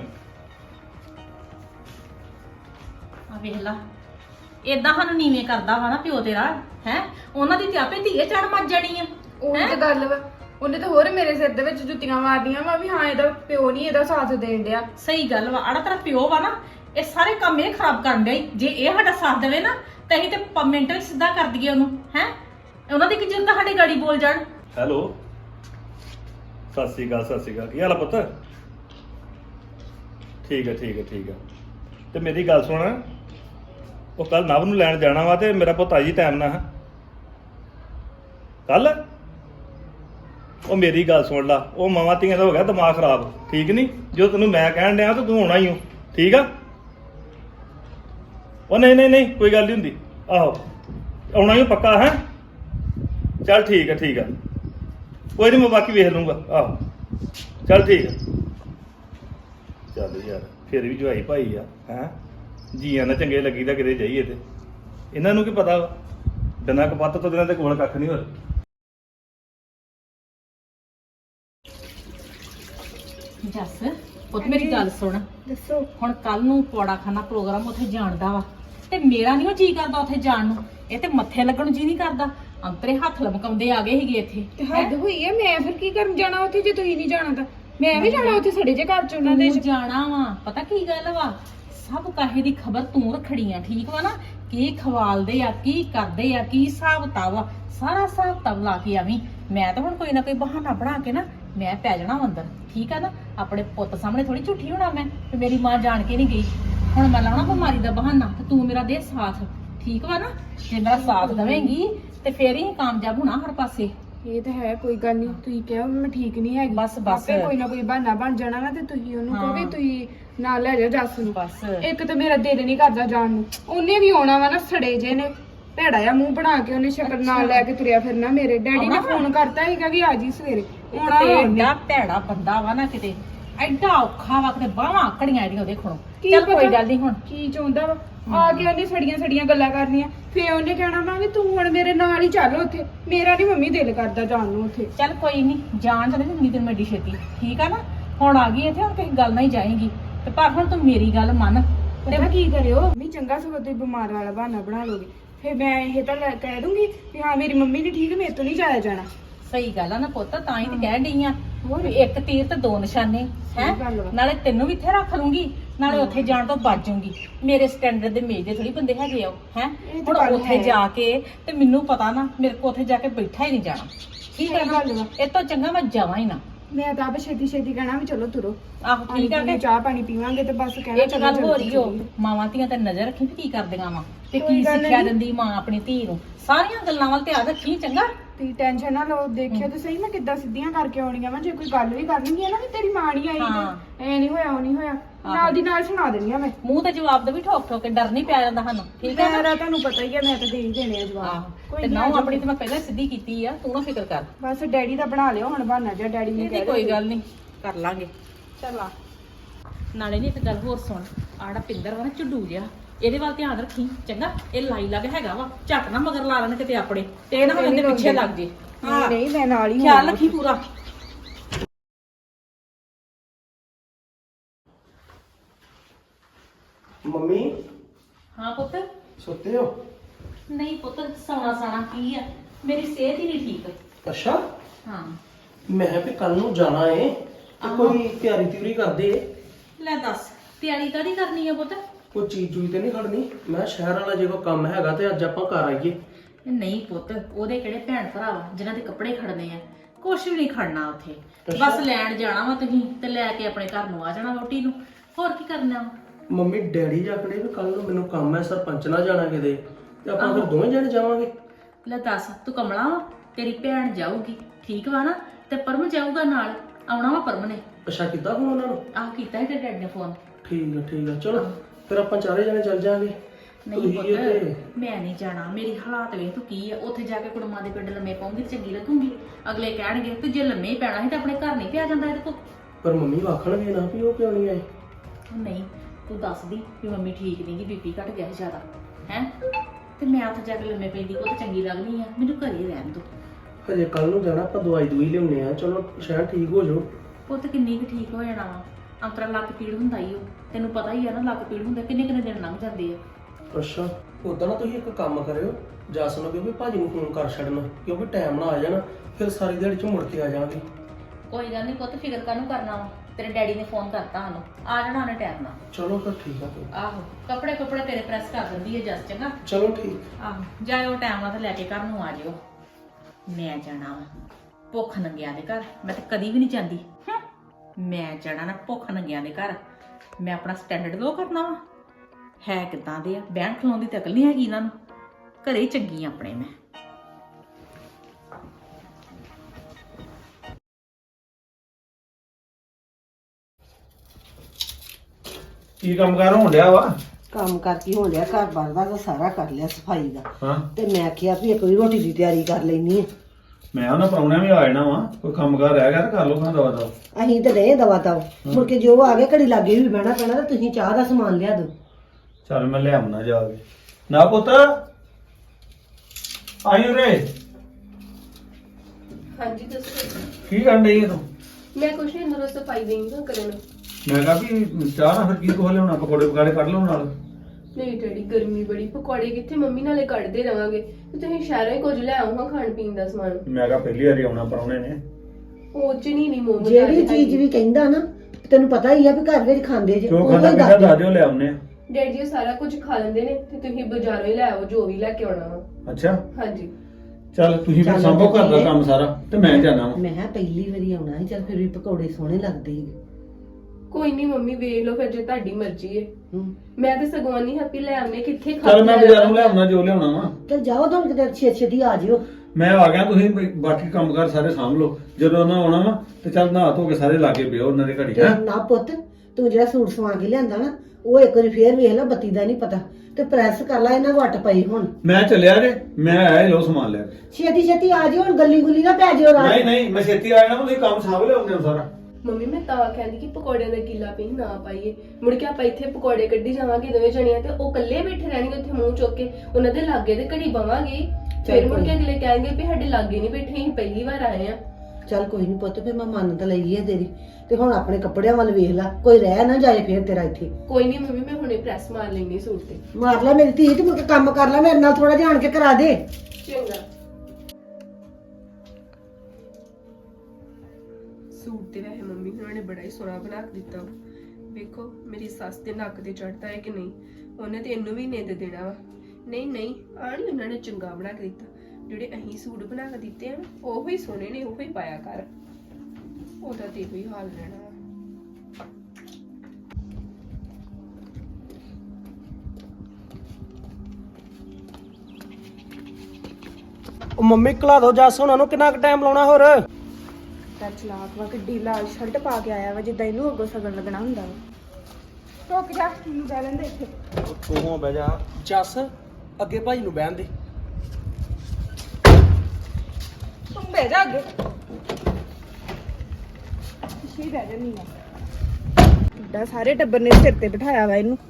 [SPEAKER 6] ਆ ਵੇਖ ਲਾ, ਏਦਾਂ ਸਾਨੂੰ ਨੀਵੇਂ ਕਰਦਾ ਵਾ ਨਾ ਪਿਓ ਤੇਰਾ। ਹੈ ਉਹਨਾਂ ਦੀ ਤੇ ਆਪੇ ਧੀਏ ਚੜ ਮੱਜ ਜਾਣੀ ਆ।
[SPEAKER 1] ਉਹ ਤੇ ਗੱਲ ਵਾ, ਉਹਨੇ ਤਾਂ ਹੋਰ ਮੇਰੇ ਸਿਰ ਦੇ ਵਿੱਚ ਜੁੱਤੀਆਂ ਮਾਰਦੀਆਂ ਵਾ ਵੀ ਹਾਂ ਇਹਦਾ ਪਿਓ ਨਹੀਂ ਇਹਦਾ ਸਾਥ ਦੇਣ ਡਿਆ।
[SPEAKER 6] ਸਹੀ ਗੱਲ ਵਾ, ਆੜਾ ਤੇਰਾ ਪਿਓ ਵਾ ਨਾ, ਇਹ ਸਾਰੇ ਕੰਮ ਇਹ ਖਰਾਬ ਕਰਨ ਡਿਆ ਈ। ਜੇ ਇਹ ਸਾਡਾ ਸਾਥ ਦੇਵੇ ਨਾ ਤਾਂ ਅਸੀਂ ਤੇ ਮਿੰਟ ਵਿੱਚ ਸਿੱਧਾ ਕਰ ਦਈਏ ਉਹਨੂੰ। ਹੈ ਉਹਨਾਂ ਦੀ ਕੀ ਜ਼ਰੂਰਤ ਆ ਸਾਡੇ ਗਾੜੀ ਬੋਲ ਜਾਣ।
[SPEAKER 2] ਹੈਲੋ, ਸਤਿ ਸ਼੍ਰੀ ਅਕਾਲ। ਸਤਿ ਸ਼੍ਰੀ ਅਕਾਲ। ਕੀ ਹਾਲ ਆ ਪੁੱਤ? ਠੀਕ ਹੈ ਠੀਕ ਹੈ ਠੀਕ ਹੈ। ਤੇ ਮੇਰੀ ਗੱਲ ਸੁਣ, ਉਹ ਕੱਲ ਨਵ ਨੂੰ ਲੈਣ ਜਾਣਾ ਵਾ ਤੇ ਮੇਰਾ ਪੁੱਤ ਆਈ ਟਾਈਮ ਨਾਲ। ਕੱਲ ਉਹ ਮੇਰੀ ਗੱਲ ਸੁਣ ਲਾ, ਉਹ ਮਾਵਾਂ ਧੀਆਂ ਦਾ ਹੋ ਗਿਆ ਦਿਮਾਗ ਖਰਾਬ, ਠੀਕ ਨਹੀਂ? ਜੋ ਤੈਨੂੰ ਮੈਂ ਕਹਿਣ ਡਿਆ ਤਾਂ ਤੂੰ ਹੋਣਾ ਹੀ ਹੋ, ਠੀਕ ਆ? ਉਹ ਨਹੀਂ ਨਹੀਂ ਨਹੀਂ ਕੋਈ ਗੱਲ ਨਹੀਂ ਹੁੰਦੀ। ਆਹੋ ਆਉਣਾ ਹੀ ਪੱਕਾ ਹੈ। ਚੱਲ ਠੀਕ ਹੈ ਠੀਕ ਹੈ, ਕੋਈ ਨਹੀਂ ਮੈਂ ਬਾਕੀ ਵੇਖ ਲੂੰਗਾ। ਆਹੋ ਚੱਲ ਠੀਕ ਹੈ। ਚੱਲ ਯਾਰ ਫਿਰ ਵੀ ਜਵਾਈ ਭਾਈ ਆ ਹੈ, ਜੀਆਂ ਨਾਲ ਚੰਗੇ ਲੱਗੀਦਾ ਕਿਤੇ ਜਾਈਏ ਤੇ ਇਹਨਾਂ ਨੂੰ ਕੀ ਪਤਾ ਵਾ, ਬਿਨਾਂ ਕਪੱਤ ਤੋਂ ਦਿਨਾਂ ਦੇ ਕੋਲ ਕੱਖ ਨਹੀਂ ਹੋਰ।
[SPEAKER 6] ਜੱਸ ਪੁੱਤ ਮੇਰੀ ਗੱਲ ਸੁਣ,
[SPEAKER 5] ਦੱਸੋ।
[SPEAKER 6] ਹੁਣ ਕੱਲ ਨੂੰ ਪੌੜਾ ਖਾਨਾ ਪ੍ਰੋਗਰਾਮ ਉੱਥੇ ਜਾਣ ਦਾ ਵਾ ਤੇ ਮੇਰਾ ਨਹੀਂ ਉਹ ਜੀ ਕਰਦਾ ਉੱਥੇ ਜਾਣ ਨੂੰ। ਇਹ ਤੇ ਮੱਥੇ ਲੱਗਣ ਨੂੰ ਜੀ ਨਹੀਂ ਕਰਦਾ। ਅੰਤਰੇ ਹੱਥ ਲਮਕਾਉਂਦੇ ਆ ਗਏ ਸੀਗੇ ਇੱਥੇ।
[SPEAKER 1] ਤੇ ਹੱਦ ਹੋਈ ਹੈ, ਮੈਂ ਫਿਰ ਕੀ ਕਰਨ ਜਾਣਾ ਉੱਥੇ ਜੇ ਤੁਸੀਂ ਨਹੀਂ ਜਾਣਾ ਤਾਂ ਮੈਂ ਵੀ ਜਾਣਾ ਉੱਥੇ ਸੜੇ ਜੇ ਘਰ ਚ ਉਹਨਾਂ ਦੇ।
[SPEAKER 6] ਤੂੰ ਜਾਣਾ ਵਾ, ਪਤਾ ਕੀ ਗੱਲ ਵਾ, ਸਭ ਕਾਹੇ ਦੀ ਖਬਰ ਤੂੰ ਰੱਖਣੀ ਆ, ਠੀਕ ਵਾ ਨਾ? ਕੀ ਖਵਾਲਦੇ ਆ, ਕੀ ਕਰਦੇ ਆ, ਕੀ ਹਿਸਾਬ ਕਿਤਾਬ ਆ, ਸਾਰਾ ਹਿਸਾਬ ਕਿਤਾਬ ਲਾ ਕੇ ਆਵੀਂ। ਮੈਂ ਤਾਂ ਹੁਣ ਕੋਈ ਨਾ ਕੋਈ ਬਹਾਨਾ ਬਣਾ ਕੇ ਨਾ ਮੈਂ ਪੈ ਜਾਣਾ ਅੰਦਰ, ਠੀਕ ਆ ਨਾ? ਆਪਣੇ ਪੁੱਤ ਸਾਹਮਣੇ ਥੋੜੀ ਝੂਠੀ ਹੋਣਾ ਮੈਂ ਤੇ ਮੇਰੀ ਮਾਂ ਜਾਣ ਕੇ ਨਹੀਂ ਗਈ। ਹੁਣ ਮੈਂ ਲਾਉਣਾ ਬਿਮਾਰੀ ਦਾ ਬਹਾਨਾ ਤੇ ਤੂੰ ਮੇਰਾ ਦੇ ਸਾਥ, ਠੀਕ ਵਾ ਨਾ? ਜੇ ਮੇਰਾ ਸਾਥ ਦੇਵੇਂਗੀ ਤੇ ਫੇਰ ਹੀ ਕਾਮਯਾਬ ਹੋਣਾ ਹਰ ਪਾਸੇ।
[SPEAKER 1] ਇਹ ਤਾਂ ਹੈ, ਕੋਈ ਗੱਲ ਨਹੀਂ। ਤੁਸੀਂ ਕਿਹਾ ਮੈਂ ਠੀਕ ਨਹੀਂ ਹੈਗੀ,
[SPEAKER 6] ਬਸ ਬਸ
[SPEAKER 1] ਆਪੇ ਕੋਈ ਨਾ ਕੋਈ ਬਹਾਨਾ ਬਣ ਜਾਣਾ ਨਾ ਤੇ ਤੁਸੀਂ ਉਹਨੂੰ ਕਹੋ ਵੀ
[SPEAKER 6] ਹਾਂ।
[SPEAKER 1] ਤੁਸੀਂ ਨਾਲ ਲੈ ਜਾਓ ਜੱਸ ਨੂੰ।
[SPEAKER 6] ਬਸ
[SPEAKER 1] ਇੱਕ ਤਾਂ ਮੇਰਾ ਦਿਲ ਨਹੀਂ ਕਰਦਾ ਜਾਣ ਨੂੰ, ਉਹਨੇ ਵੀ ਆਉਣਾ ਵਾ ਨਾ, ਸੜੇ ਜੇ ਨੇ ਭੈੜਾ ਆ ਮੂੰਹ ਬਣਾ ਕੇ ਉਹਨੇ ਸ਼ਕਲ ਨਾਲ ਲੈ ਕੇ ਤੁਰਿਆ ਫਿਰਨਾ। ਮੇਰੇ ਡੈਡੀ ਨੇ ਫੋਨ ਕਰਤਾ ਸੀਗਾ ਵੀ ਆ ਜੀ ਸਵੇਰੇ ਆਉਣਾ
[SPEAKER 6] ਤੇ
[SPEAKER 1] ਵਾ ਉਹਨੇ।
[SPEAKER 6] ਏਡਾ ਭੈੜਾ ਬੰਦਾ ਵਾ ਨਾ, ਕਿਤੇ ਐਡਾ ਔਖਾ ਵਾ, ਕਿਤੇ ਬਾਹਾਂ ਆਕੜੀਆਂ ਇਹਦੀਆਂ ਦੇਖਣੋ।
[SPEAKER 1] ਕੀ
[SPEAKER 6] ਚੱਲ ਕੋਈ
[SPEAKER 1] ਪਤਾ
[SPEAKER 6] ਗੱਲ ਨਹੀਂ, ਹੁਣ
[SPEAKER 1] ਕੀ ਚਾਹੁੰਦਾ ਵਾ, ਆ ਕੇ ਉਹਨੇ ਸੜੀਆਂ ਸੜੀਆਂ ਗੱਲਾਂ ਕਰਨੀਆਂ, ਫੇਰ ਉਹਨੇ ਕਹਿਣਾ ਵਾ ਵੀ ਤੂੰ ਹੁਣ ਮੇਰੇ ਨਾਲ ਹੀ ਚੱਲ ਉੱਥੇ। ਮੇਰਾ ਨਹੀਂ ਮੰਮੀ ਦਿਲ ਕਰਦਾ ਜਾਣ ਨੂੰ ਉੱਥੇ।
[SPEAKER 6] ਚੱਲ ਕੋਈ ਨਹੀਂ, ਜਾਣ ਤਾਂ ਨਹੀਂ ਦਿੰਦੀ ਤੈਨੂੰ ਮੈਂ ਏਡੀ ਛੇਤੀ, ਠੀਕ ਆ ਨਾ? ਹੁਣ ਆ ਗਈ ਇੱਥੇ, ਹੁਣ ਕਿਸੇ ਗੱਲ ਨਾਲ ਹੀ ਜਾਏਗੀ ਤੇ ਪਰ ਹੁਣ ਤੂੰ ਮੇਰੀ ਗੱਲ ਮੰਨ।
[SPEAKER 1] ਪਤਾ ਕੀ ਕਰਿਓ, ਮੰਮੀ ਚੰਗਾ ਸਗੋਂ ਤੁਸੀਂ ਬਿਮਾਰ ਵਾਲਾ ਬਹਾਨਾ ਬਣਾ ਲੋਗੇ, ਫੇਰ ਮੈਂ ਇਹ ਤਾਂ ਲੈ- ਕਹਿ ਦੂੰਗੀ ਵੀ ਹਾਂ ਮੇਰੀ ਮੰਮੀ ਨਹੀਂ ਠੀਕ, ਮੇਰੇ ਤੋਂ ਨਹੀਂ ਜਾਇਆ ਜਾਣਾ।
[SPEAKER 6] ਸਹੀ ਗੱਲ ਆ ਨਾ ਪੁੱਤ, ਤਾਂ ਹੀ ਤੇ ਕਹਿ ਡਈ ਆ
[SPEAKER 1] ਹੋਰ
[SPEAKER 6] ਵੀ ਇੱਕ ਤੀਰ ਤੇ ਦੋ ਨਿਸ਼ਾਨੇ ਹੈ।
[SPEAKER 1] ਸਹੀ ਗੱਲ ਵਾ।
[SPEAKER 6] ਨਾਲੇ ਤੈਨੂੰ ਵੀ ਇੱਥੇ ਰੱਖ ਲੂੰਗੀ, ਨਾਲੇ ਉੱਥੇ ਜਾਣ ਤੋਂ ਬਚ ਜਾਊਂਗੀ। ਮੇਰੇ ਸਟੈਂਡਰਡ ਦੇ ਮੇਜ ਦੇ ਥੋੜੀ ਬੰਦੇ ਹੈਗੇ ਆ ਉਹ, ਹੈ?
[SPEAKER 1] ਇਹ ਤਾਂ
[SPEAKER 6] ਹੁਣ
[SPEAKER 1] ਗੱਲ
[SPEAKER 6] ਉੱਥੇ
[SPEAKER 1] ਹੈ।
[SPEAKER 6] ਜਾ ਕੇ ਤੇ ਮੈਨੂੰ ਪਤਾ ਨਾ, ਮੇਰੇ ਕੋ ਉੱਥੇ ਜਾ ਕੇ ਬੈਠਾ ਹੀ ਨਹੀਂ ਜਾਣਾ, ਠੀਕ ਹੈ
[SPEAKER 1] ਸਹੀ
[SPEAKER 6] ਨਾ?
[SPEAKER 1] ਗੱਲ ਵਾ।
[SPEAKER 6] ਇਹ ਤੋਂ ਚੰਗਾ ਮੈਂ ਜਾਵਾਂ ਹੀ ਨਾ।
[SPEAKER 1] ਮੈਂ ਤਾਂ ਆਪ ਛੇਤੀ ਛੇਤੀ ਕਹਿਣਾ ਵੀ ਚਲੋ ਤੁਰੋ,
[SPEAKER 6] ਆਹੋ ਠੀਕ ਆ ਕਿ
[SPEAKER 1] ਚਾਹ ਪਾਣੀ ਪੀਵਾਂਗੇ ਤੇ ਬਸ ਕਹਿਣਾ
[SPEAKER 6] ਇੱਕ ਗੱਲ
[SPEAKER 1] ਚਲੋ
[SPEAKER 6] ਹੋ
[SPEAKER 1] ਜਲਦੀ
[SPEAKER 6] ਰਹੀ ਹੋ,
[SPEAKER 1] ਚੱਲੀਏ।
[SPEAKER 6] ਮਾਵਾਂ ਧੀਆਂ ਤੇ ਨਜ਼ਰ ਰੱਖੀ ਵੀ ਕੀ ਕਰਦੀਆਂ ਵਾ ਤੇ
[SPEAKER 1] ਕੋਈ
[SPEAKER 6] ਕੀ
[SPEAKER 1] ਗੱਲ
[SPEAKER 6] ਸਿੱਖਿਆ
[SPEAKER 1] ਨਹੀਂ।
[SPEAKER 6] ਦਿੰਦੀ ਮਾਂ ਆਪਣੀ ਧੀ ਨੂੰ। ਸਾਰੀਆਂ ਗੱਲਾਂ ਵੱਲ ਧਿਆਨ ਰੱਖੀ, ਚੰਗਾ?
[SPEAKER 1] ਤੁਸੀਂ ਟੈਨਸ਼ਨ ਨਾ ਲਓ, ਦੇਖਿਓ ਤੇ ਸਹੀ ਮੈਂ ਕਿੱਦਾਂ ਸਿੱਧੀਆਂ ਕਰਕੇ ਆਉਣੀਆਂ ਵਾ। ਜੇ ਕੋਈ ਗੱਲ ਵੀ ਕਰਨੀ ਹੈ ਨਾ ਵੀ ਤੇਰੀ ਮਾਂ ਨਹੀਂ ਆਈ
[SPEAKER 6] ਹਾਂ।
[SPEAKER 1] ਤੇ ਐ ਨਹੀਂ ਹੋਇਆ ਉਹ ਨਹੀਂ ਹੋਇਆ, ਨਾਲ ਦੀ ਨਾਲ ਸੁਣਾ ਦੇਣੀ ਆ ਮੈਂ।
[SPEAKER 6] ਮੂੰਹ ਤੇ ਜਵਾਬ ਦੇ ਵੀ ਠੋਕ ਠੋਕ ਕੇ, ਡਰ ਨਹੀਂ ਪਿਆ ਜਾਂਦਾ ਸਾਨੂੰ, ਠੀਕ ਹੈ ਨਾ?
[SPEAKER 1] ਮੇਰਾ ਤੁਹਾਨੂੰ ਪਤਾ ਹੀ ਹੈ, ਮੈਂ ਤਾਂ ਦੇ ਹੀ ਦੇਣੇ ਆ ਜਵਾਬ।
[SPEAKER 6] ਆਹੋ
[SPEAKER 1] ਕੋਈ
[SPEAKER 6] ਤੇ
[SPEAKER 1] ਨੀ,
[SPEAKER 6] ਨਾ
[SPEAKER 1] ਆ ਜਾਓ।
[SPEAKER 6] ਆਪਣੀ ਤੇ ਮੈਂ ਪਹਿਲਾਂ ਸਿੱਧੀ ਕੀਤੀ ਆ, ਤੂੰ ਨਾ ਫਿਕਰ ਕਰ।
[SPEAKER 1] ਬਸ ਡੈਡੀ ਦਾ ਬਣਾ ਲਿਓ ਹੁਣ ਬਹਾਨਾ, ਜਾਂ ਡੈਡੀ ਨੂੰ
[SPEAKER 6] ਇਹਦੀ
[SPEAKER 1] ਕਹਿ
[SPEAKER 6] ਕੋਈ
[SPEAKER 1] ਦਿਓ।
[SPEAKER 6] ਗੱਲ ਨਹੀਂ, ਕਰ ਲਾਂਗੇ। ਚੱਲ ਆ ਨਾਲੇ ਨਹੀਂ ਇੱਕ ਗੱਲ ਹੋਰ ਸੁਣ, ਆੜਾ ਪਿੰਦਰ ਵਾ ਨਾ ਝੁੱਡੂ ਜਿਹਾ, ਇਹਦੇ ਵੱਲ ਧਿਆਨ ਰੱਖੀ, ਚੰਗਾ? ਇਹ ਲਾਈ ਲੱਗ ਹੈਗਾ ਵਾ, ਝੱਟ ਨਾ ਮਗਰ ਲਾ ਲੈਣ ਕਿਤੇ ਆਪਣੇ, ਤੇ ਇਹ ਨਾ ਹੋਵੇ ਉਹਦੇ ਪਿੱਛੇ ਲੱਗ ਜੇ।
[SPEAKER 1] ਨਹੀਂ ਨਹੀਂ ਮੈਂ ਨਾਲ ਹੀ
[SPEAKER 6] ਖਿਆਲ
[SPEAKER 1] ਹੋਣਾ।
[SPEAKER 6] ਰੱਖੀ ਪੂਰਾ।
[SPEAKER 3] ਮੰਮੀ
[SPEAKER 6] ਹਾਂ ਪੁੱਤ।
[SPEAKER 3] ਸੁੱਤੇ ਹੋ?
[SPEAKER 6] ਨਹੀਂ ਪੁੱਤ, ਸੌਣਾ ਸਾਣਾ ਕੀ ਆ, ਮੇਰੀ ਸਿਹਤ ਹੀ ਨਹੀਂ ਠੀਕ।
[SPEAKER 3] ਅੱਛਾ,
[SPEAKER 6] ਹਾਂ
[SPEAKER 3] ਮੈਂ ਵੀ ਕੱਲ ਨੂੰ ਜਾਣਾ ਏ ਤੇ ਕੋਈ ਤਿਆਰੀ ਤਿਉਰੀ ਕਰਦੇ।
[SPEAKER 6] ਲੈ ਦੱਸ, ਤਿਆਰੀ ਕਾਹਦੀ ਕਰਨੀ ਆ ਪੁੱਤ?
[SPEAKER 3] ਕੋਈ ਚੀਜ਼ ਚੂਈ ਤੇ ਨਹੀਂ ਖੜਨੀ? ਮੈਂ ਸ਼ਹਿਰ ਵਾਲਾ ਜੇ ਕੋਈ ਕੰਮ ਹੈਗਾ ਤੇ ਅੱਜ ਆਪਾਂ ਘਰ ਆਈਏ।
[SPEAKER 6] ਨਹੀਂ ਪੁੱਤ, ਉਹਦੇ ਕਿਹੜੇ ਭੈਣ ਭਰਾ ਵਾ ਜਿਨ੍ਹਾਂ ਦੇ ਕੱਪੜੇ ਖੜਨੇ ਆ? ਕੁਛ ਵੀ ਨਹੀਂ ਖੜਨਾ ਉੱਥੇ,
[SPEAKER 3] ਅੱਛਾ।
[SPEAKER 6] ਬਸ ਲੈਣ ਜਾਣਾ ਵਾ ਤੁਸੀਂ ਤੇ ਲੈ ਕੇ ਆਪਣੇ ਘਰ ਨੂੰ ਆ ਜਾਣਾ ਰੋਟੀ ਨੂੰ, ਹੋਰ ਕੀ ਕਰਨਾ ਵਾ?
[SPEAKER 3] ਮੰਮੀ ਡੈਡੀ ਜਾਕੜੇ ਵੀ ਕੱਲ ਨੂੰ ਮੈਨੂੰ ਕੰਮ ਹੈ, ਸਰਪੰਚ ਨਾਲ ਜਾਣਾ ਕਿਤੇ, ਤੇ ਆਪਾਂ ਫਿਰ
[SPEAKER 6] ਆਹੋ।
[SPEAKER 3] ਦੋਵੇਂ ਜਣੇ ਜਾਵਾਂਗੇ।
[SPEAKER 6] ਲੈ ਦੱਸ, ਤੂੰ ਕਮਲਾ ਵਾ? ਤੇਰੀ ਭੈਣ ਜਾਊਗੀ, ਠੀਕ ਵਾ ਨਾ? ਤੇ ਪਰਮ ਜਾਊਗਾ ਨਾਲ, ਆਉਣਾ ਵਾ ਪਰਮ ਨੇ।
[SPEAKER 3] ਅੱਛਾ, ਕਿੱਦਾਂ ਹੁਣ ਉਹਨਾਂ ਨੂੰ?
[SPEAKER 6] ਆਹ ਕੀਤਾ ਹੈ ਤੇਰੇ ਡੈਡ ਨੇ ਫੋਨ।
[SPEAKER 3] ਠੀਕ ਆ ਠੀਕ ਆ, ਚਲੋ ਫਿਰ ਆਪਾਂ ਚਾਰੇ ਜਣੇ ਚੱਲ ਜਾਾਂਗੇ।
[SPEAKER 6] ਨਹੀਂ
[SPEAKER 3] ਤੁਸੀਂ
[SPEAKER 6] ਪੁੱਤ,
[SPEAKER 3] ਤੇ
[SPEAKER 6] ਮੈਂ ਨਹੀਂ ਜਾਣਾ, ਮੇਰੀ ਹਾਲਾਤ ਵੇਖ ਤੂੰ ਕੀ ਆ। ਉੱਥੇ ਜਾ ਕੇ ਕੁੜਮਾਂ ਦੇ ਪਿੰਡ ਲੰਮੇ ਪਾਉਂਗੀ ਤੇ ਚੰਗੀ ਲੱਗੂਗੀ। ਅਗਲੇ ਕਹਿਣਗੇ ਤੂੰ ਜੇ ਲੰਮੇ ਹੀ ਪੈਣਾ ਸੀ ਤਾਂ ਆਪਣੇ ਘਰ ਨਹੀਂ ਪਿਆ ਜਾਂਦਾ ਇਹਦੇ ਕੋਲ।
[SPEAKER 3] ਪਰ ਮੰਮੀ ਆਖਣਗੇ ਨਾ ਵੀ ਉਹ ਕਿਉਂ ਨਹੀਂ ਆਏ।
[SPEAKER 6] ਨਹੀਂ, ਤੂੰ ਦੱਸਦੀ ਵੀ ਮੰਮੀ ਠੀਕ ਨਹੀਂ ਗੀ, ਬੀਪੀ ਘਟ ਗਿਆ ਜ਼ਿਆਦਾ ਹੈ, ਤੇ ਮੈਂ ਉੱਥੇ ਜਾ ਕੇ ਲੰਮੇ ਪੈਂਦੀ, ਉਹ ਤਾਂ ਚੰਗੀ ਲੱਗਣੀ ਆ, ਮੈਨੂੰ ਘਰੇ ਰਹਿਣ ਦੋ।
[SPEAKER 3] ਹਜੇ ਕੱਲ ਨੂੰ ਜਾਣਾ, ਆਪਾਂ ਦਵਾਈ ਦਵਾਈ ਲਿਆਉਣੇ ਆ, ਚਲੋ ਸ਼ਾਇਦ ਠੀਕ ਹੋ ਜਾਓ।
[SPEAKER 6] ਪੁੱਤ ਕਿੰਨੀ ਕੁ ਠੀਕ ਹੋ ਜਾਣਾ ਵਾ, ਅੰਤਰਾ ਲੱਕ ਪੀੜ ਹੁੰਦਾ ਹੀ ਉਹ, ਤੈਨੂੰ ਪਤਾ ਹੀ ਆ ਨਾ, ਲੱਕ ਪੀੜ ਹੁੰਦਾ ਕਿੰਨੇ ਕਿੰਨੇ ਦਿਨ ਲੰਘ ਜਾਂਦੇ ਆ।
[SPEAKER 3] ਅੱਛਾ, ਉਦਾਂ ਨਾ ਤੁਸੀਂ ਇੱਕ ਕੰਮ ਕਰਿਓ, ਜੱਸ ਨੂੰ ਕਿਉਂਕਿ ਭਾਜੀ ਨੂੰ ਫੋਨ ਕਰ ਛੱਡਣਾ, ਕਿਉਂਕਿ ਟਾਈਮ ਨਾਲ ਆ ਜਾਣਾ, ਫਿਰ ਸਾਰੀ ਦਿਹਾੜੀ ਚ ਮੁੜ ਕੇ ਆ ਜਾਵਾਂਗੇ।
[SPEAKER 6] ਕੋਈ ਗੱਲ ਨਹੀਂ ਪੁੱਤ, ਫਿਕਰ ਕਾਹਨੂੰ ਕਰਨਾ ਵਾ, ਤੇਰੇ ਡੈਡੀ ਨੇ ਫੋਨ ਕਰਤਾ ਸਾਨੂੰ, ਆ ਜਾਣਾ ਉਹਨੇ ਟਾਈਮ ਨਾਲ।
[SPEAKER 3] ਚਲੋ ਫਿਰ ਠੀਕ ਆ ਫਿਰ।
[SPEAKER 6] ਆਹੋ ਕੱਪੜੇ ਕੁਪੜੇ ਤੇਰੇ ਪ੍ਰੈਸ ਕਰ ਦਿੰਦੀ ਹੈ ਜਸ, ਚੰਗਾ।
[SPEAKER 3] ਚਲੋ ਠੀਕ।
[SPEAKER 6] ਆਹੋ ਜਾਇਓ ਟਾਈਮ ਨਾਲ ਤੇ ਲੈ ਕੇ ਘਰ ਨੂੰ ਆ ਜਿਓ। ਮੈਂ ਜਾਣਾ ਵਾ ਭੁੱਖ ਨੰਗਿਆਂ ਦੇ ਘਰ, ਮੈਂ ਤਾਂ ਕਦੀ ਵੀ ਨਹੀਂ ਜਾਂਦੀ। ਹੂੰ, ਮੈਂ ਜਾਣਾ ਨਾ ਭੁੱਖ ਨੰਗਿਆਂ ਦੇ ਘਰ। ਮੈਂ ਆਪਣਾ ਸਟੈਂਡਰਡ ਲੋ ਕਰਨਾ ਵਾ। ਹੈ ਕਿੱਦਾਂ ਦੇ ਆ, ਬਹਿਣ ਖਲੋਣ ਦੀ ਤਕਲ ਨਹੀਂ ਹੈਗੀ ਇਹਨਾਂ ਨੂੰ, ਘਰੇ ਹੀ ਚੰਗੀ ਆ ਆਪਣੇ ਮੈਂ।
[SPEAKER 7] ਕੀ ਕੰਮ ਕਰ ਹੋਣ ਡਿਆ ਵਾ?
[SPEAKER 8] ਕੰਮ ਕਰਕੇ ਹੋ ਲਿਆ, ਘਰ ਬਾਰ ਦਾ ਤਾਂ ਸਾਰਾ ਕਰ ਲਿਆ ਸਫਾਈ ਦਾ।
[SPEAKER 7] ਹਾਂ
[SPEAKER 8] ਤੇ ਮੈਂ ਕਿਹਾ ਵੀ ਇੱਕ ਵਾਰੀ ਰੋਟੀ ਦੀ ਤਿਆਰੀ ਕਰ ਲੈਣੀ ਆ।
[SPEAKER 7] ਮੈਂ ਉਹਨਾਂ ਪ੍ਰਾਹੁਣਿਆਂ ਵੀ ਆ ਜਾਣਾ ਵਾ, ਕੋਈ ਕੰਮ ਕਾਰ ਰਹਿ ਗਿਆ ਤਾਂ ਕਰ ਲੋ ਖਾਂ ਦਵਾ ਦਵਾ।
[SPEAKER 8] ਅਸੀਂ ਤੇ ਰਹੇ ਦਵਾ ਦਵ, ਮੁੜ ਕੇ ਜੋ ਆ ਗਏ ਘੜੀ ਲਾਗੇ ਵੀ ਬਹਿਣਾ ਪੈਣਾ, ਤੇ ਤੁਸੀਂ ਚਾਹ ਦਾ ਸਮਾਨ ਲਿਆ ਦਿਓ।
[SPEAKER 7] ਚੱਲ ਮੈਂ ਲਿਆਉਣਾ ਜਾ ਕੇ। ਨਾ ਪੁੱਤ ਆਈ ਰੇ,
[SPEAKER 5] ਹਾਂਜੀ ਦੱਸੋ।
[SPEAKER 7] ਕੀ ਕਰਨ ਡਈ ਹੈ ਤੂੰ?
[SPEAKER 5] ਮੈਂ ਕੁਛ ਨਹੀਂ, ਅੰਦਰੋਂ ਸਫਾਈ ਦੇਣੀ ਹਾਂ ਕਰਨ।
[SPEAKER 7] ਮੈਂ ਕਿਹਾ ਵੀ ਚਾਹ ਨਾ ਫਿਰ ਕੀ ਕੋਹ ਲਿਆਉਣਾ, ਪਕੌੜੇ ਪਕਾੜੇ ਕੱਢ ਲਓ ਨਾਲ।
[SPEAKER 5] ਨਹੀਂ ਡੈਡੀ ਗਰਮੀ ਬੜੀ, ਪਕੌੜੇ ਕਿੱਥੇ, ਮੰਮੀ ਨਾਲੇ ਕੱਢਦੇ ਰਵਾਂਗੇ, ਤੇ ਤੁਸੀਂ ਸ਼ਹਿਰੋਂ ਹੀ ਕੁਝ ਲੈ ਆਓ ਹਾਂ ਖਾਣ ਪੀਣ ਦਾ ਸਮਾਨ।
[SPEAKER 7] ਮੈਂ ਕਿਹਾ ਪਹਿਲੀ ਵਾਰੀ ਆਉਣਾ ਪ੍ਰਾਹੁਣੇ ਨੇ।
[SPEAKER 5] ਉਹ ਚ ਨਹੀਂ ਨਹੀਂ ਮੋਮੋ
[SPEAKER 8] ਜਿਹੜੀ ਚੀਜ਼ ਵੀ ਕਹਿੰਦਾ ਨਾ, ਤੈਨੂੰ ਪਤਾ ਹੀ ਆ ਵੀ ਘਰ ਵਿੱਚ ਖਾਂਦੇ ਜੇ,
[SPEAKER 7] ਜੋ
[SPEAKER 8] ਉਹੀ
[SPEAKER 7] ਖਾਣਾ ਪੀਣਾ
[SPEAKER 8] ਦੱਸ
[SPEAKER 7] ਦੱਸ
[SPEAKER 8] ਦਿਓ।
[SPEAKER 7] ਦਿਓ, ਲਿਆਉਣੇ ਆ।
[SPEAKER 5] ਡੈਡੀ ਜੀ ਉਹ ਸਾਰਾ ਕੁਝ ਖਾ ਲੈਂਦੇ ਨੇ, ਤੇ ਤੁਸੀਂ ਬਾਜ਼ਾਰੋਂ ਹੀ ਲੈ ਆਓ ਜੋ ਵੀ ਲੈ ਕੇ ਆਉਣਾ ਵਾ।
[SPEAKER 7] ਅੱਛਾ
[SPEAKER 5] ਹਾਂਜੀ
[SPEAKER 7] ਚੱਲ ਤੁਸੀਂ ਫਿਰ
[SPEAKER 8] ਚੱਲ
[SPEAKER 7] ਸੰਭੋ ਘਰ ਦਾ
[SPEAKER 8] ਠੀਕ ਹੈ।
[SPEAKER 7] ਕੰਮ ਸਾਰਾ, ਤੇ ਮੈਂ ਜਾਣਾ ਵਾ।
[SPEAKER 8] ਮੈਂ ਕਿਹਾ ਪਹਿਲੀ ਵਾਰੀ ਆਉਣਾ ਸੀ, ਚੱਲ ਫਿਰ ਵੀ ਪਕੌੜੇ ਸੋਹਣੇ ਲੱਗਦੇ ਸੀ।
[SPEAKER 5] ਕੋਈ ਨਹੀਂ ਮੰਮੀ ਵੇਖ ਲਓ ਫਿਰ, ਜੇ ਤੁਹਾਡੀ ਮਰਜ਼ੀ ਹੈ।
[SPEAKER 8] ਹੂੰ
[SPEAKER 5] ਮੈਂ ਤੇ ਸਗਵਾਨੀ ਹੈਪੀ ਲੈ ਆਉਣੇ, ਕਿੱਥੇ ਖਾ
[SPEAKER 7] ਚੱਲ ਮੈਂ ਬਾਜ਼ਾਰੋਂ ਲਿਆਉਣਾ ਜੋ ਲਿਆਉਣਾ ਵਾ।
[SPEAKER 8] ਚੱਲ ਜਾਓ ਤੁਹਾਨੂੰ ਕਿਤੇ ਛੇਤੀ ਛੇਤੀ ਆ ਜਿਓ।
[SPEAKER 7] ਮੈਂ ਆ ਗਿਆ, ਤੁਸੀਂ ਬਈ ਬਾਕੀ ਕੰਮਕਾਰ ਸਾਰੇ ਸਾਂਭ ਲਓ। ਜਦੋਂ ਉਹਨਾਂ ਆਉਣਾ ਵਾ ਤੇ ਚੱਲ ਨਹਾ ਧੋ ਕੇ ਸਾਰੇ ਲਾਗੇ ਪਿਓ ਉਹਨਾਂ ਦੇ ਘੜੀ।
[SPEAKER 8] ਤੇ
[SPEAKER 7] ਹੈ
[SPEAKER 8] ਨਾ ਪੁੱਤ, ਤੂੰ ਜਿਹੜਾ ਸੂਟ ਸਵਾ ਕੇ ਲਿਆਂਦਾ ਨਾ, ਉਹ ਇੱਕ ਵਾਰੀ ਫੇਰ ਵੇਖ ਲੈ, ਬੱਤੀ ਦਾ ਨਹੀਂ ਪਤਾ, ਤੇ ਪ੍ਰੈਸ ਕਰ ਲੈ, ਇਹਨਾਂ ਵੱਟ ਪਈ ਹੁਣ।
[SPEAKER 7] ਮੈਂ ਚੱਲਿਆ ਜੇ, ਮੈਂ ਆਇਆ ਲੋ ਸਮਾਨ ਲੈ ਕੇ।
[SPEAKER 8] ਛੇਤੀ ਛੇਤੀ ਆ ਜਿਓ, ਹੁਣ ਗੱਲੀ ਗੁੱਲੀ ਨਾ ਪੈ ਜਿਓ ਰਾਤ।
[SPEAKER 7] ਨਹੀਂ ਨਹੀਂ ਮੈਂ ਛੇਤੀ ਆ ਜਾਣਾ, ਤੁਸੀਂ ਕੰਮ ਸਾਂਭ ਲਿਆਉਂਦੇ ਹੋ ਸਾਰਾ।
[SPEAKER 5] ਮੰਮੀ ਮੈਂ ਤਾਂ ਕਹਿੰਦੀ ਕਿ ਪਕੌੜਿਆਂ ਦਾ ਕਿੱਲਾ ਪਈ ਨਾ ਪਾਈਏ, ਮੁੜ ਕੇ ਆਪਾਂ ਇੱਥੇ ਪਕੌੜੇ ਕੱਢੀ ਜਾਵਾਂਗੇ ਦੋਵੇਂ ਜਣੀਆਂ, ਤੇ ਉਹ ਇਕੱਲੇ ਬੈਠੇ ਰਹਿਣਗੇ ਉੱਥੇ ਮੂੰਹ ਚੁੱਕ ਕੇ, ਉਹਨਾਂ ਦੇ ਲਾਗੇ ਤੇ ਘੜੀ ਬਵਾਂਗੇ, ਫਿਰ ਮੁੜ ਕੇ ਅਗਲੇ ਕਹਿਣਗੇ ਵੀ ਸਾਡੇ ਲਾਗੇ ਨਹੀਂ ਬੈਠੇ, ਅਸੀਂ ਪਹਿਲੀ ਵਾਰ ਆਏ ਆ।
[SPEAKER 8] ਚੱਲ ਕੋਈ ਨਹੀਂ ਪੁੱਤ, ਫਿਰ ਮੈਂ ਮੰਨ ਤਾਂ ਲਈ ਹੈ ਤੇਰੀ, ਤੇ ਹੁਣ ਆਪਣੇ ਕੱਪੜਿਆਂ ਵੱਲ ਵੇਖ ਲੈ, ਕੋਈ ਰਹਿ ਨਾ ਜਾਏ ਫੇਰ ਤੇਰਾ ਇੱਥੇ।
[SPEAKER 5] ਕੋਈ ਨਹੀਂ ਮੰਮੀ, ਮੈਂ ਹੁਣੇ ਪ੍ਰੈਸ ਮਾਰ ਲੈਣੀ ਸੂਟ ਤੇ।
[SPEAKER 8] ਮਾਰ ਲੈ ਮੇਰੀ ਧੀ, ਤੇ ਮੁੜ ਕੇ ਕੰਮ ਕਰ ਲੈ ਮੇਰੇ ਨਾਲ, ਥੋੜਾ ਜਾਣ ਕੇ ਕਰਾ ਦੇ।
[SPEAKER 5] ਚੰਗਾ। ਸੂਟ ਤੇ ਵੈਸੇ ਮੰਮੀ ਉਹਨਾਂ ਨੇ ਬੜਾ ਹੀ ਸੋਹਣਾ ਬਣਾ ਕੇ ਦਿੱਤਾ ਵਾ। ਵੇਖੋ ਮੇਰੀ ਸੱਸ ਦੇ ਨੱਕ ਤੇ ਚੜਦਾ ਹੈ ਕਿ ਨਹੀਂ, ਉਹਨੇ ਤੇ ਇਹਨੂੰ ਵੀ ਨਿੰਦ ਦੇਣਾ ਵਾ। ਨਹੀਂ ਨਹੀਂ ਆਹ ਨੀ ਉਹਨਾਂ ਨੇ ਚੰਗਾ ਬਣਾ ਕੇ ਦਿੱਤਾ, ਜਿਹੜੇ ਅਸੀਂ ਸੂਟ ਬਣਾ ਕੇ ਦਿੱਤੇ ਆ ਨਾ, ਉਹੋ ਹੀ ਸੋਹਣੇ ਨੇ, ਉਹੋ ਹੀ ਪਾਇਆ ਕਰ, ਉਹਦਾ ਤੇ ਇਹੋ ਹੀ ਹਾਲ ਰਹਿਣਾ ਵਾ।
[SPEAKER 3] ਉਹ ਮੰਮੀ ਘਲਾ ਦੋ ਜੱਸ ਉਹਨਾਂ ਨੂੰ, ਕਿੰਨਾ ਕੁ ਟਾਈਮ ਲਾਉਣਾ ਹੋਰ?
[SPEAKER 1] ਤਾਂ ਚਲਾਕ ਵਾ, ਕਿੱਡੀ ਲਾਲ ਸ਼ਰਟ ਪਾ ਕੇ ਆਇਆ ਵਾ, ਜਿੱਦਾਂ ਇਹਨੂੰ ਅੱਗੋਂ ਸਗਨ ਲੱਗਣਾ ਹੁੰਦਾ ਵਾ। ਰੁਕ ਜਾ, ਮੈਨੂੰ ਕਹਿ ਲੈਂਦੇ ਇੱਥੇ।
[SPEAKER 3] ਤੂੰ ਬਹਿ ਜਾ ਜੱਸ, ਅੱਗੇ ਭਾਈ ਨੂੰ ਬਹਿਣ ਦੇ।
[SPEAKER 1] ਤੂੰ ਬਹਿ ਜਾ ਅੱਗੇ, ਪਿੱਛੇ ਹੀ ਬਹਿ ਜਾਨੀ ਆ। ਕਿੱਦਾਂ ਸਾਰੇ ਟੱਬਰ ਨੇ ਸਿਰ ਤੇ ਬਿਠਾਇਆ ਵਾ ਇਹਨੂੰ।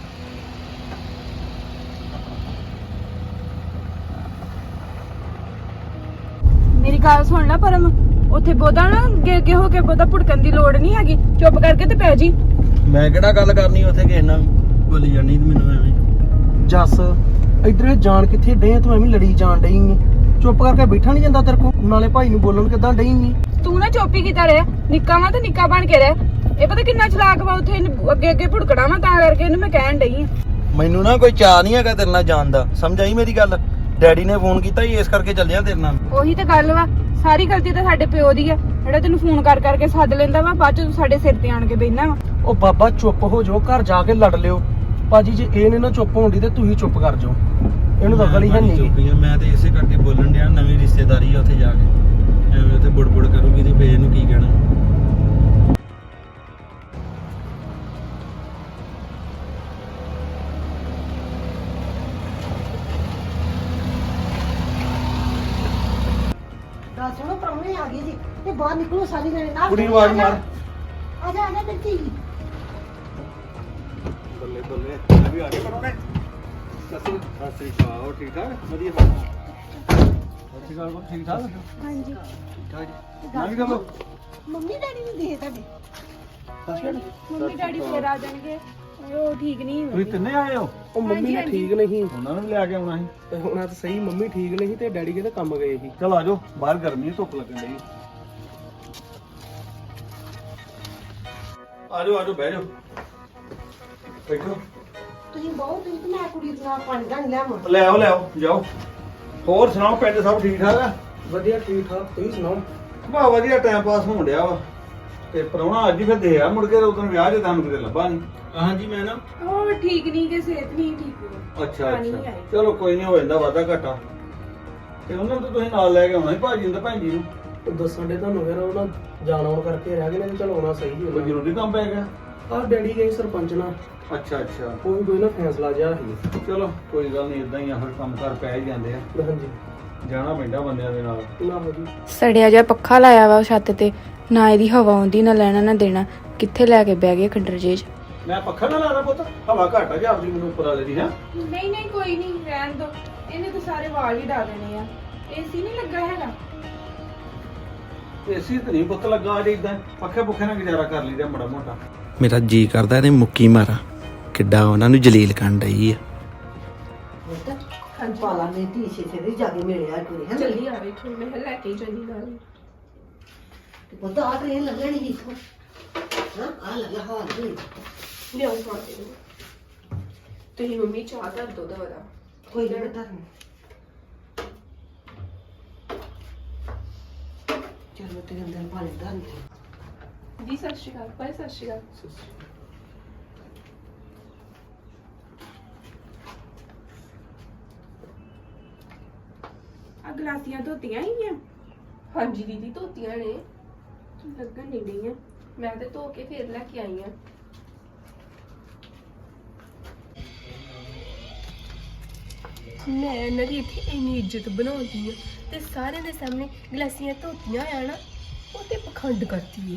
[SPEAKER 1] ਮੇਰੀ ਗੱਲ ਸੁਣ ਲੈ ਪਰਮ, ਉੱਥੇ ਬੋਦਾ ਨਾ ਅੱਗੇ ਅੱਗੇ ਹੋ ਕੇ ਬੋਦਾ ਭੁੜਕਣ ਦੀ ਲੋੜ ਨਹੀਂ ਹੈਗੀ, ਚੁੱਪ ਕਰਕੇ ਤੇ ਪੈ ਜੀ।
[SPEAKER 9] ਮੈਂ ਕਿਹੜਾ ਗੱਲ ਕਰਨੀ ਉੱਥੇ ਕਿਸੇ ਨਾਲ ਬੋਲੀ ਜਾਣੀ ਤੇ ਮੈਨੂੰ ਐਵੇਂ।
[SPEAKER 3] ਜੱਸ ਇਧਰ ਜਾਣ ਕਿੱਥੇ ਡੇ, ਤੂੰ ਐਵੇਂ ਲੜੀ ਜਾਣ ਡਈ ਏ, ਚੁੱਪ ਕਰਕੇ ਬੈਠਾ ਨਹੀਂ ਜਾਂਦਾ ਤੇਰੇ ਕੋ, ਨਾਲੇ ਭਾਈ ਨੂੰ ਬੋਲਣ ਕਿੱਦਾਂ ਡਈ ਏ।
[SPEAKER 1] ਤੂੰ ਨਾ ਚੁੱਪ ਹੀ ਕੀਤਾ ਰਿਹਾ, ਨਿੱਕਾ ਵਾ ਤੇ ਨਿੱਕਾ ਬਣ ਕੇ ਰਹਿ। ਇਹ ਪਤਾ ਕਿੰਨਾ ਚਲਾਕ ਵਾ, ਉੱਥੇ ਇਹਨੂੰ ਅੱਗੇ ਅੱਗੇ ਭੁੜਕਣਾ ਵਾ, ਤਾਂ ਕਰਕੇ ਇਹਨੂੰ ਮੈਂ ਕਹਿਣ ਡਈ ਆ।
[SPEAKER 9] ਮੈਨੂੰ ਨਾ ਕੋਈ ਚਾਹ ਨਹੀਂ ਹੈਗਾ ਤੇਰੇ ਨਾਲ ਜਾਣ ਦਾ, ਸਮਝ ਆਈ ਮੇਰੀ ਗੱਲ? ਡੈਡੀ ਨੇ ਫੋਨ ਕੀਤਾ ਸੀ, ਇਸ ਕਰਕੇ ਚੱਲਿਆ ਤੇਰੇ ਨਾਲ।
[SPEAKER 1] ਉਹੀ ਤਾਂ ਗੱਲ ਵਾ, ਸਾਰੀ ਗਲਤੀ ਤਾਂ ਸਾਡੇ ਪਿਓ ਦੀ ਆ, ਜਿਹੜਾ ਤੈਨੂੰ ਫੋਨ ਕਰ ਕਰਕੇ ਸੱਦ ਲੈਂਦਾ ਵਾ, ਬਾਅਦ ਚ ਤੂੰ ਸਾਡੇ ਸਿਰ ਤੇ ਆਣ ਕੇ ਬੈਠਣਾ ਵਾ।
[SPEAKER 3] ਉਹ ਬਾਬਾ ਚੁੱਪ ਹੋ ਜਾਓ, ਘਰ ਜਾ ਕੇ ਲੜ ਲਿਓ। ਭਾਜੀ ਜੇ ਇਹ ਨੇ ਨਾ ਚੁੱਪ ਹੋਣ ਦੀ ਤੇ ਤੁਸੀਂ ਚੁੱਪ ਕਰ ਜਾਓ, ਇਹਨੂੰ ਤਾਂ ਅਕਲ ਹੀ ਹੈ
[SPEAKER 9] ਮੈਂ
[SPEAKER 3] ਨਹੀਂ।
[SPEAKER 9] ਚੁੱਪ ਹੀ ਆ, ਮੈਂ ਤੇ ਇਸੇ ਕਰਕੇ ਬੋਲਣ ਡਿਆ, ਨਵੀਂ ਰਿਸ਼ਤੇਦਾਰੀ ਆ ਉੱਥੇ ਜਾ ਕੇ, ਐਵੇਂ ਉੱਥੇ ਬੁੜਬੁੜ ਕਰੂਗੀ ਤੇ ਫੇਰ ਇਹਨੂੰ ਕੀ ਕਹਿਣਾ।
[SPEAKER 8] ਦੱਸ ਸੁਣੋ, ਪ੍ਰਾਹੁਣੇ ਆ ਗਏ ਜੀ, ਤੇ ਬਾਹਰ ਨਿਕਲੋ ਸਾਰੀ ਜਣੇ ਨਾਲ।
[SPEAKER 7] ਕੁੜੀ ਨੂੰ ਆਵਾਜ਼ ਮਾਰ।
[SPEAKER 8] ਆ ਜਾ ਆ ਜਾ ਮੇਰੀ ਧੀ।
[SPEAKER 7] ਬੱਲੇ ਬੱਲੇ, ਮੈਂ ਵੀ ਆ ਗਿਆ ਪ੍ਰਾਹੁਣੇ। ਸਸੀ ਸਸੀ ਕਾਓ, ਠੀਕ ਠਾਕ? ਵਧੀਆ। ਸਸੀ ਕਾਓ, ਠੀਕ ਠਾਕ?
[SPEAKER 8] ਹਾਂਜੀ
[SPEAKER 7] ਠੀਕ ਠਾਕ ਜੀ। ਨਾ ਵੀ ਕਰੋ।
[SPEAKER 8] ਮੰਮੀ ਡੈਡੀ ਨੂੰ ਦੇ ਤੁਹਾਡੇ।
[SPEAKER 1] ਮੰਮੀ ਡੈਡੀ ਫੇਰ ਆ ਜਾਣਗੇ, ਉਹ ਠੀਕ ਨਹੀਂ
[SPEAKER 7] ਤੁਸੀਂ ਤਿੰਨੇ ਆਏ ਹੋ?
[SPEAKER 3] ਉਹ ਮੰਮੀ ਨੇ ਠੀਕ ਨਹੀਂ
[SPEAKER 7] ਉਹਨਾਂ ਨੂੰ ਵੀ ਲੈ ਕੇ ਆਉਣਾ ਸੀ।
[SPEAKER 3] ਤੇ ਹੁਣ ਆ ਤਾਂ ਸਹੀ ਮੰਮੀ ਠੀਕ ਨਹੀਂ ਤੇ ਡੈਡੀ ਕਿਤੇ ਕੰਮ ਗਏ ਸੀ।
[SPEAKER 7] ਚਲ ਆ ਜਾਓ, ਬਾਹਰ ਗਰਮੀ ਹੈ, ਧੁੱਪ ਲੱਗਣ ਡਈ। ਆ ਜਾਓ ਆ ਜਾਓ, ਬਹਿ ਜਾਓ, ਬੈਠੋ।
[SPEAKER 8] ਤੁਸੀਂ ਬਹੁਤ ਤੁਸੀਂ ਤੇ ਮੈਂ ਕੁੜੀ ਦਾ ਪਾਣੀ ਦਾ ਲੈ ਆਵਾਂ।
[SPEAKER 7] ਲੈ ਆਓ ਲੈ ਆਓ, ਜਾਓ। ਹੋਰ ਸੁਣਾਓ, ਪਿੰਡ ਸਭ ਠੀਕ ਠਾਕ ਆ?
[SPEAKER 3] ਵਧੀਆ ਠੀਕ ਠਾਕ, ਤੁਸੀਂ ਸੁਣਾਓ?
[SPEAKER 7] ਬਾ ਵਧੀਆ, ਟਾਈਮ ਪਾਸ ਹੋਣ ਡਿਆ ਵਾ। ਤੇ ਪ੍ਰਾਹੁਣਾ ਅੱਜ ਹੀ ਫਿਰ ਦੇ ਆ, ਮੁੜ ਕੇ ਉਦੋਂ ਵਿਆਹ 'ਚ ਤੁਹਾਨੂੰ ਕਿਤੇ ਲੱਭਾ ਨਹੀਂ।
[SPEAKER 9] ਹਾਂਜੀ ਮੈਂ ਨਾ
[SPEAKER 1] ਉਹ ਠੀਕ ਨਹੀਂ ਕਿ ਸਿਹਤ ਨਹੀਂ ਠੀਕ ਹੋਈ।
[SPEAKER 7] ਅੱਛਾ
[SPEAKER 1] ਪਾਣੀ ਨਹੀਂ
[SPEAKER 7] ਅੱਛਾ,
[SPEAKER 1] ਆਇਆ।
[SPEAKER 7] ਚਲੋ ਕੋਈ ਨਹੀਂ, ਹੋ ਜਾਂਦਾ ਵਾਧਾ ਘਾਟਾ। ਤੇ ਉਹਨਾਂ ਨੂੰ ਤਾਂ ਤੁਸੀਂ ਨਾਲ ਲੈ ਕੇ ਆਉਣਾ ਸੀ, ਭਾਜੀ ਨੂੰ ਤੇ ਭੈਣ ਜੀ ਨੂੰ।
[SPEAKER 3] ਉਹ ਦੱਸਣ ਦੇ ਤੁਹਾਨੂੰ ਫਿਰ ਉਹਨਾਂ ਜਾਣ ਆਉਣ ਕਰਕੇ ਰਹਿ ਗਏ ਨੇ, ਚਲ ਆਉਣਾ ਸਹੀ
[SPEAKER 7] ਕੋਈ
[SPEAKER 3] ਹੋਣਾ।
[SPEAKER 7] ਜ਼ਰੂਰੀ ਕੰਮ ਪੈ ਗਿਆ?
[SPEAKER 3] ਆਹ ਡੈਡੀ ਗਏ ਸਰਪੰਚ ਨਾਲ,
[SPEAKER 7] ਅੱਛਾ ਅੱਛਾ,
[SPEAKER 3] ਉਹ ਵੀ ਕੋਈ ਨਾ ਫੈਸਲਾ ਜਿਹਾ ਸੀ।
[SPEAKER 7] ਚਲੋ ਕੋਈ ਗੱਲ ਨਹੀਂ, ਇਦਾਂ ਹੀ ਆ, ਫਿਰ ਕੰਮ ਕਰ ਪੈ ਹੀ ਜਾਂਦੇ ਆ,
[SPEAKER 3] ਹਾਂਜੀ
[SPEAKER 7] ਜਾਣਾ ਪੈਂਦਾ ਬੰਦਿਆਂ ਦੇ ਨਾਲ।
[SPEAKER 3] ਨਾ ਜੀ
[SPEAKER 4] ਸੜਿਆ ਜਿਹਾ ਪੱਖਾ ਲਾਇਆ ਵਾ ਉਹ ਛੱਤ ਤੇ, ਨਾ ਇਹਦੀ ਹਵਾ ਆਉਂਦੀ ਨਾ ਲੈਣਾ ਨਾ ਦੇਣਾ, ਕਿੱਥੇ ਲੈ ਕੇ ਬਹਿ ਗਏ ਖੰਡਰ ਜੇ 'ਚ।
[SPEAKER 7] ਮੈਂ ਪੱਖਾ ਨਾ ਲਾਣਾ ਪੁੱਤ, ਹਵਾ ਘੱਟ ਆ ਜੀ ਆਪਦੀ, ਮੈਨੂੰ ਉੱਪਰ ਵਾਲੇ ਦੀ ਹੈ।
[SPEAKER 1] ਨਹੀਂ ਨਹੀਂ ਕੋਈ ਨਹੀਂ, ਰਹਿਣ ਦੋ। ਇਹਨੇ ਤਾਂ ਸਾਰੇ ਵਾਲ ਹੀ ਡਾ ਦੇਣੇ ਆ। ਏਸੀ ਨਹੀਂ ਲੱਗਾ ਹੈਗਾ।
[SPEAKER 7] ਏਸੀ ਤੇ ਨਹੀਂ ਪੁੱਤ ਲੱਗਾ ਅਜੇ, ਇਦਾਂ ਪੱਖੇ ਪੁੱਖੇ ਨਾਲ ਗੁਜ਼ਾਰਾ ਕਰ ਲਈਦਾ ਮਾੜਾ ਮੋਟਾ।
[SPEAKER 9] ਮੇਰਾ ਜੀ ਕਰਦਾ ਇਹਨੇ ਮੁੱਕੀ ਮਾਰਾ, ਕਿੱਡਾ ਉਹਨਾਂ ਨੂੰ ਜਲੀਲ ਕਰਨ ਡਈ ਆ।
[SPEAKER 8] ਪੁੱਤ ਪਾਲਾ ਨੇ ਧੀ ਛੇ ਦੇ ਜਾ ਕੇ ਮਿਲਿਆ ਕੁੜੀ ਹੈ।
[SPEAKER 5] ਜਲਦੀ ਆ ਵੇਖੋ, ਮੈਂ ਕਿਹਾ ਲੈ ਕੇ ਹੀ ਜਾਨੀ ਨਾਲ।
[SPEAKER 8] ਪੁੱਤ ਆ ਟ੍ਰੇਨ ਲੱਗਣੀ ਸੀ ਇੱਥੋਂ। ਹਾਂ ਆ ਲੱਗਾ ਹਾਲ ਜੀ।
[SPEAKER 5] ਲਿਆਓ ਪਾਣੀ ਨੂੰ। ਤੁਸੀਂ ਮੰਮੀ ਚਾਹ ਧਰ ਦੋ ਦਵਰਾ।
[SPEAKER 8] ਕੋਈ ਨਾ ਧਰਨ। ਚਲੋ ਤੇ ਅੰਦਰ ਪਾਣੀ ਧਰਨ ਦੇ।
[SPEAKER 5] ਦੀ ਸਤਿ ਸ਼੍ਰੀ ਅਕਾਲ, ਭਾਈ ਸਤਿ ਸ਼੍ਰੀ ਅਕਾਲ।
[SPEAKER 1] ਆ ਗਲਾਸੀਆਂ ਧੋਤੀਆਂ ਹੀ ਆ।
[SPEAKER 5] ਹਾਂਜੀ ਦੀਦੀ, ਧੋਤੀਆਂ ਨੇ।
[SPEAKER 1] ਲੱਗਣ ਨਹੀਂ ਡਈਆਂ।
[SPEAKER 5] ਮੈਂ ਤੇ ਧੋ ਕੇ ਫੇਰ ਲੈ ਕੇ ਆਈ ਆ। ਮੈਂ ਇਹਨਾਂ ਦੀ ਇੱਥੇ ਇੰਨੀ ਇੱਜ਼ਤ ਬਣਾਉਂਦੀ ਆ ਤੇ ਸਾਰਿਆਂ ਦੇ ਸਾਹਮਣੇ ਗਲਾਸੀਆਂ ਧੋਤੀਆਂ ਆ ਨਾ, ਉਹ ਤੇ ਪਖੰਡ ਕਰਦੀ ਏ।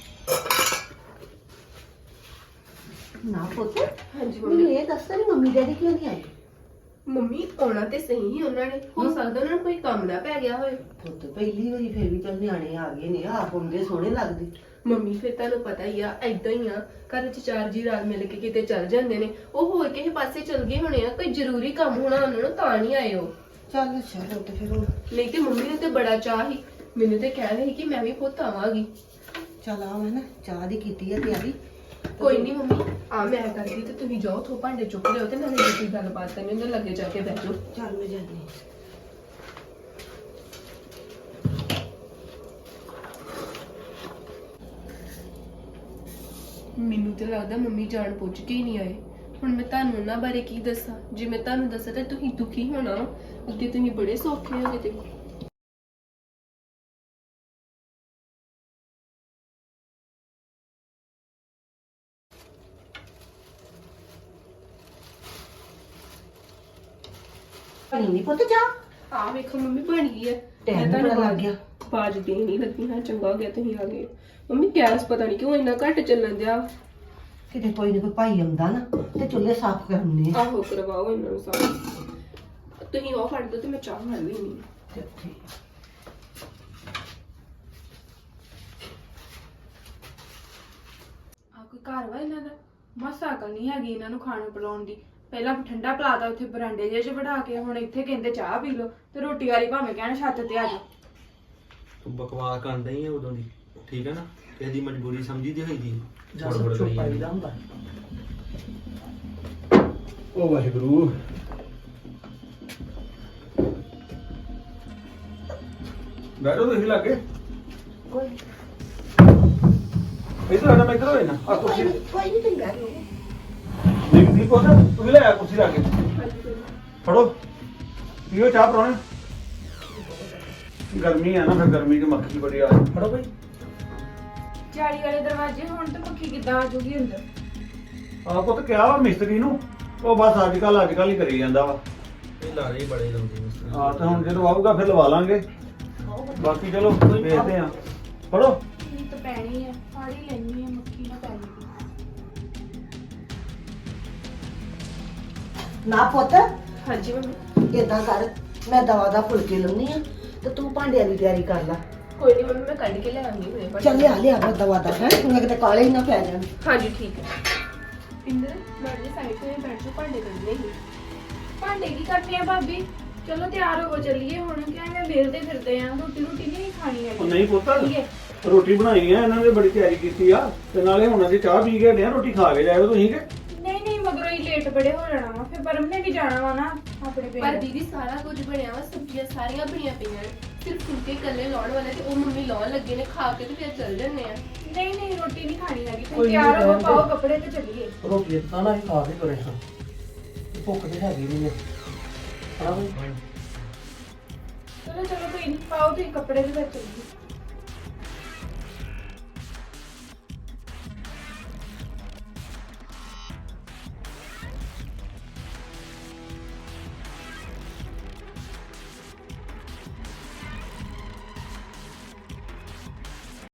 [SPEAKER 8] ਨਾ ਪੁੱਤ
[SPEAKER 5] ਹਾਂਜੀ
[SPEAKER 8] ਮੈਨੂੰ
[SPEAKER 5] ਮੰਮੀ।
[SPEAKER 8] ਇਹ ਦੱਸ ਤੇਰੀ ਮੰਮੀ ਡੈਡੀ ਕਿਉਂ ਨਹੀਂ ਆਏ?
[SPEAKER 5] ਮੰਮੀ ਆਉਣਾ ਤੇ ਸਹੀ ਹੀ ਉਹਨਾਂ ਨੇ, ਹੋ ਸਕਦਾ ਉਹਨਾਂ ਨੂੰ ਕੋਈ ਕੰਮ ਨਾ ਪੈ ਗਿਆ ਹੋਵੇ।
[SPEAKER 8] ਪੁੱਤ ਪਹਿਲੀ ਵਾਰੀ ਫੇਰ ਵੀ ਚੱਲ ਨਿਆਣੇ ਆ ਗਏ ਨੇ, ਆਪ ਹੁੰਦੇ ਸੋਹਣੇ ਲੱਗਦੇ।
[SPEAKER 5] ਮੰਮੀ ਫਿਰ ਤੁਹਾਨੂੰ ਪਤਾ ਹੀ ਆ, ਏਦਾਂ ਹੀ ਆ, ਘਰ ਚ ਚਾਰ ਜੀ ਰਾਤ ਮਿਲ ਕੇ ਕਿਤੇ ਚੱਲ ਜਾਂਦੇ ਨੇ। ਉਹ ਹੋਰ ਕਿਸੇ ਪਾਸੇ ਚਲ ਗਏ ਹੋਣੇ ਆ, ਕੋਈ ਜ਼ਰੂਰੀ ਕੰਮ ਹੋਣਾ ਉਹਨਾਂ ਨੂੰ, ਤਾਂ ਨਹੀਂ ਆਏ ਉਹ।
[SPEAKER 8] ਚੱਲ ਚਲੋ ਤੇ ਫਿਰ ਹੁਣ
[SPEAKER 5] ਨਹੀਂ ਤੇ ਮੰਮੀ ਨੂੰ ਤੇ ਬੜਾ ਚਾਹ ਸੀ, ਮੈਨੂੰ ਤੇ ਕਹਿ ਰਹੀ ਕਿ ਮੈਂ ਵੀ ਪੁੱਤ ਆਵਾਂਗੀ।
[SPEAKER 8] ਚੱਲ ਆ ਮੈਂ ਨਾ ਚਾਹ ਦੀ ਕੀਤੀ ਆ ਤਿਆਰੀ।
[SPEAKER 5] ਕੋਈ ਨਹੀਂ ਮੰਮੀ, ਆ ਮੈਂ ਕਰਦੀ ਤੇ ਤੁਸੀਂ ਜਾਓ, ਥੋ ਭਾਂਡੇ ਚੁੱਕ ਲਿਓ ਤੇ ਨਾਲੇ ਜੇ ਕੋਈ ਗੱਲਬਾਤ ਕਰਨੀ ਉਹਦੇ ਲੱਗੇ ਜਾ ਕੇ ਬਹਿ ਜਾਓ।
[SPEAKER 8] ਚੱਲ ਮੈਂ ਜਾਂਦੀ ਹਾਂ।
[SPEAKER 5] ਮੈਨੂੰ ਤੇ ਲੱਗਦਾ ਮੰਮੀ ਜਾਣ ਪੁੱਛ ਕੇ ਹੀ ਨਹੀਂ ਆਏ। ਹੁਣ ਮੈਂ ਤੁਹਾਨੂੰ ਉਹਨਾਂ ਬਾਰੇ ਕੀ ਦੱਸਾਂ? ਜੇ ਮੈਂ ਤੁਹਾਨੂੰ ਦੱਸਾਂ ਤਾਂ ਤੁਸੀਂ ਦੁਖੀ ਹੋਣਾ, ਅੱਗੇ ਤੁਸੀਂ ਬੜੇ ਸੌਖੇ ਹੋ ਗਏ।
[SPEAKER 8] ਬਣੀ ਨਹੀਂ ਪੁੱਤ ਚਾਹ?
[SPEAKER 5] ਆ ਵੇਖੋ ਮੰਮੀ ਬਣ ਗਈ ਹੈ।
[SPEAKER 8] ਟਾਈਮ
[SPEAKER 5] ਮੈਂ
[SPEAKER 8] ਬੜਾ
[SPEAKER 5] ਤੁਹਾਨੂੰ
[SPEAKER 8] ਲੱਗ ਗਿਆ।
[SPEAKER 5] ਬਾਜ ਦੇਣ ਹੀ ਲੱਗੀ ਹਾਂ, ਚੰਗਾ ਹੋ ਗਿਆ ਤੁਸੀਂ ਆ ਗਏ। ਮੰਮੀ ਗੈਸ ਪਤਾ ਨਹੀਂ ਕਿਉਂ ਇੰਨਾ ਘੱਟ ਚੱਲਣ ਦਿਆ।
[SPEAKER 8] ਕਿਤੇ ਕੋਈ ਨਾ ਕੋਈ ਭਾਈ ਆਉਂਦਾ ਨਾ ਤੇ ਚੁੱਲ੍ਹੇ ਸਾਫ਼ ਕਰਨੇ ਆ।
[SPEAKER 5] ਆਹੋ ਕਰਵਾਓ ਇਹਨਾਂ ਨੂੰ ਸਾਫ਼। ਤੁਸੀਂ ਉਹ ਫੜ ਦਿਓ ਤੇ ਮੈਂ ਚਾਹ ਬਣਾ ਲੈਣੀ।
[SPEAKER 8] ਚੱਲ ਠੀਕ
[SPEAKER 1] ਆ ਕੋਈ ਘਰ ਵਾ ਇਹਨਾਂ ਦਾ? ਮਸਾ ਅਕਲ ਨਹੀਂ ਹੈਗੀ ਇਹਨਾਂ ਨੂੰ ਖਾਣ ਪਿਲਾਉਣ ਦੀ। ਪਹਿਲਾਂ ਠੰਡਾ ਪਲਾਤਾ ਉੱਥੇ ਬਰਾਂਡੇ ਜਿਹੇ 'ਚ ਬਿਠਾ ਕੇ, ਹੁਣ ਇੱਥੇ ਕਹਿੰਦੇ ਚਾਹ ਪੀ ਲਓ ਤੇ ਰੋਟੀ ਵਾਲੀ ਭਾਵੇਂ ਕਹਿਣ ਛੱਤ ਤੇ ਆ ਜਾਓ।
[SPEAKER 9] ਤੂੰ ਬਕਵਾਸ ਕਰਨ ਡਈ ਆ ਉਦੋਂ ਦੀ, ਠੀਕ ਹੈ ਨਾ? ਕਿਸੇ ਦੀ ਮਜਬੂਰੀ ਸਮਝੀਦੀ ਹੋਈ ਦੀ
[SPEAKER 3] ਜਾਂ ਸਭ ਚੁੱਪ ਆਈਦਾ ਹੁੰਦਾ।
[SPEAKER 7] ਉਹ ਵਾਹਿਗੁਰੂ। ਬੈਠੋ ਤੁਸੀਂ ਲੱਗੇ।
[SPEAKER 8] ਕੋਈ
[SPEAKER 7] ਇਧਰ ਆਣਾ, ਮੈਂ ਇਧਰ ਹੋਏ ਨਾ ਆ ਕੁਰਸੀ।
[SPEAKER 8] ਕੋਈ ਨਹੀਂ ਤੁਸੀਂ ਬੈਠੋ।
[SPEAKER 7] ਨਹੀਂ ਨਹੀਂ ਪੁੱਤ, ਤੂੰ ਵੀ ਲੈ ਆ ਕੁਰਸੀ ਲਾ ਕੇ। ਫੜੋ ਪੀਓ ਚਾਹ ਪਰੋਣੇ। ਗਰਮੀ ਆ ਨਾ, ਫਿਰ ਗਰਮੀ ਚ ਮੱਖੀ ਬੜੀ ਆ ਰਹੀ।
[SPEAKER 3] ਫੜੋ ਭਾਈ।
[SPEAKER 1] ਜਾਲੀ ਵਾਲੇ ਦਰਵਾਜ਼ੇ ਹੁਣ ਤੇ ਮੱਖੀ ਕਿੱਦਾਂ ਆ ਜੂਗੀ ਅੰਦਰ?
[SPEAKER 7] ਆ ਪੁੱਤ ਕਿਹਾ ਵਾ ਮਿਸਤਰੀ ਨੂੰ, ਉਹ ਬਸ ਅੱਜ ਕੱਲ ਅੱਜ ਕੱਲ ਹੀ ਕਰੀ ਜਾਂਦਾ ਵਾ।
[SPEAKER 9] ਇਹ ਲਾਰੇ ਹੀ ਬੜੇ ਲਾਉਂਦੇ ਨੇ।
[SPEAKER 7] ਹਾਂ ਤੇ ਹੁਣ ਜਦੋਂ ਆਊਗਾ ਫਿਰ ਲਵਾ ਲਾਂਗੇ, ਬਾਕੀ ਚਲੋ ਵੇਖਦੇ ਆ। ਫੜੋ।
[SPEAKER 1] ਇਹ ਤਾਂ ਪੈਣੀ ਆ, ਫੜ ਹੀ ਲੈਣੀ ਆ, ਮੱਖੀ ਨਾ ਪੈ ਜਾਵੇ।
[SPEAKER 8] ਨਾ ਪੁੱਤ
[SPEAKER 5] ਹਾਂਜੀ ਮੰਮੀ।
[SPEAKER 8] ਏਦਾਂ ਕਰ, ਮੈਂ ਦਵਾ ਦਾ ਫੁਲਕੇ ਲਾਉਣੀ ਆ ਤੇ ਤੂੰ ਭਾਂਡਿਆਂ ਦੀ ਤਿਆਰੀ ਕਰ ਲੈ।
[SPEAKER 5] ਕੋਈ ਨਹੀਂ ਮੰਮੀ, ਮੈਂ ਕੱਢ ਕੇ ਲੈ ਆਉਂਗੀ ਹੁਣੇ ਭਾਂਡੇ।
[SPEAKER 8] ਚੱਲ ਲਿਆ ਲਿਆ ਦਵਾ ਦਾ ਹੈ, ਤੂੰ ਕਿਤੇ ਕਾਲੇ ਹੀ ਨਾ ਪੈ ਜਾਣ।
[SPEAKER 5] ਹਾਂਜੀ ਠੀਕ ਹੈ। ਪਿੰਦਰ ਮੈਂ ਜੀ ਸਾਈਡ ਤੇ ਬੈਠ ਕੇ ਭਾਂਡੇ ਕੱਢਨੇ ਸੀ।
[SPEAKER 1] ਭਾਂਡੇ ਕੀ ਕਰਨੇ ਆ ਭਾਬੀ? ਚਲੋ ਤਿਆਰ ਹੋ ਚੱਲੀਏ ਹੁਣ, ਕਿਵੇਂ ਵੇਲਦੇ ਫਿਰਦੇ ਆ, ਰੋਟੀ ਰੋਟੀ ਨਹੀਂ ਖਾਣੀ
[SPEAKER 7] ਉਹ
[SPEAKER 1] ਹੈਗੀ।
[SPEAKER 7] ਨਹੀਂ ਪੁੱਤ
[SPEAKER 1] ਚੱਲੀਏ।
[SPEAKER 7] ਰੋਟੀ ਬਣਾਈ ਆ ਇਹਨਾਂ ਨੇ, ਬੜੀ ਤਿਆਰੀ ਕੀਤੀ ਆ ਤੇ ਨਾਲੇ ਹੁਣ ਅਸੀਂ ਚਾਹ ਪੀ ਕੇ ਹਟੇ ਆ, ਰੋਟੀ ਖਾ ਕੇ ਜਾਇਓ ਤੁਸੀਂ ਕਿ
[SPEAKER 1] ਨਹੀਂ ਨਹੀਂ ਮਗਰੋਂ ਹੀ ਲੇਟ ਬੜੇ ਹੋ ਜਾਣਾ ਵਾ, ਫਿਰ ਪਰਮ ਨੇ ਵੀ ਜਾਣਾ ਵਾ ਨਾ ਆਪਣੇ
[SPEAKER 5] ਪਰ
[SPEAKER 1] ਪਿੰਡ।
[SPEAKER 5] ਦੀਦੀ ਸਾਰਾ ਕੁਝ ਬਣਿਆ ਵਾ, ਸਬਜ਼ੀਆਂ ਸਾਰੀਆਂ ਬਣੀਆਂ ਪਈਆਂ ਨੇ, ਸਿਰਫ ਫੁਲਕੇ ਇਕੱਲੇ ਲਾਉਣ ਵਾਲੇ ਤੇ ਉਹ ਮੰਮੀ ਲਾਉਣ ਲੱਗੇ ਨੇ, ਖਾ ਕੇ ਤੇ ਫਿਰ ਚੱਲ ਜੰਨੇ ਆ।
[SPEAKER 1] ਨਹੀਂ ਨਹੀਂ ਰੋਟੀ ਨਹੀਂ ਖਾਣੀ ਹੈਗੀ,
[SPEAKER 3] ਕੋਈ
[SPEAKER 1] ਤੁਸੀਂ
[SPEAKER 3] ਨੀ,
[SPEAKER 1] ਤਿਆਰ ਹੋ
[SPEAKER 3] ਰਹਿਣ ਦਿਓ।
[SPEAKER 1] ਪਾਓ ਕੱਪੜੇ ਤੇ ਚੱਲੀਏ।
[SPEAKER 3] ਰੋਟੀ ਤਾਂ ਨਾ ਹੀ ਖਾ ਕੇ ਤੁਰੇ ਹਾਂ ਭੁੱਖ ਤੇ ਹੈਗੀ ਨਹੀਂ ਹਾਂ ਬਈ
[SPEAKER 1] ਚਲੋ ਚਲੋ ਕੋਈ ਨਹੀਂ, ਪਾਓ ਤੁਸੀਂ ਕੱਪੜੇ ਤੇ ਫਿਰ ਚੱਲੀਏ।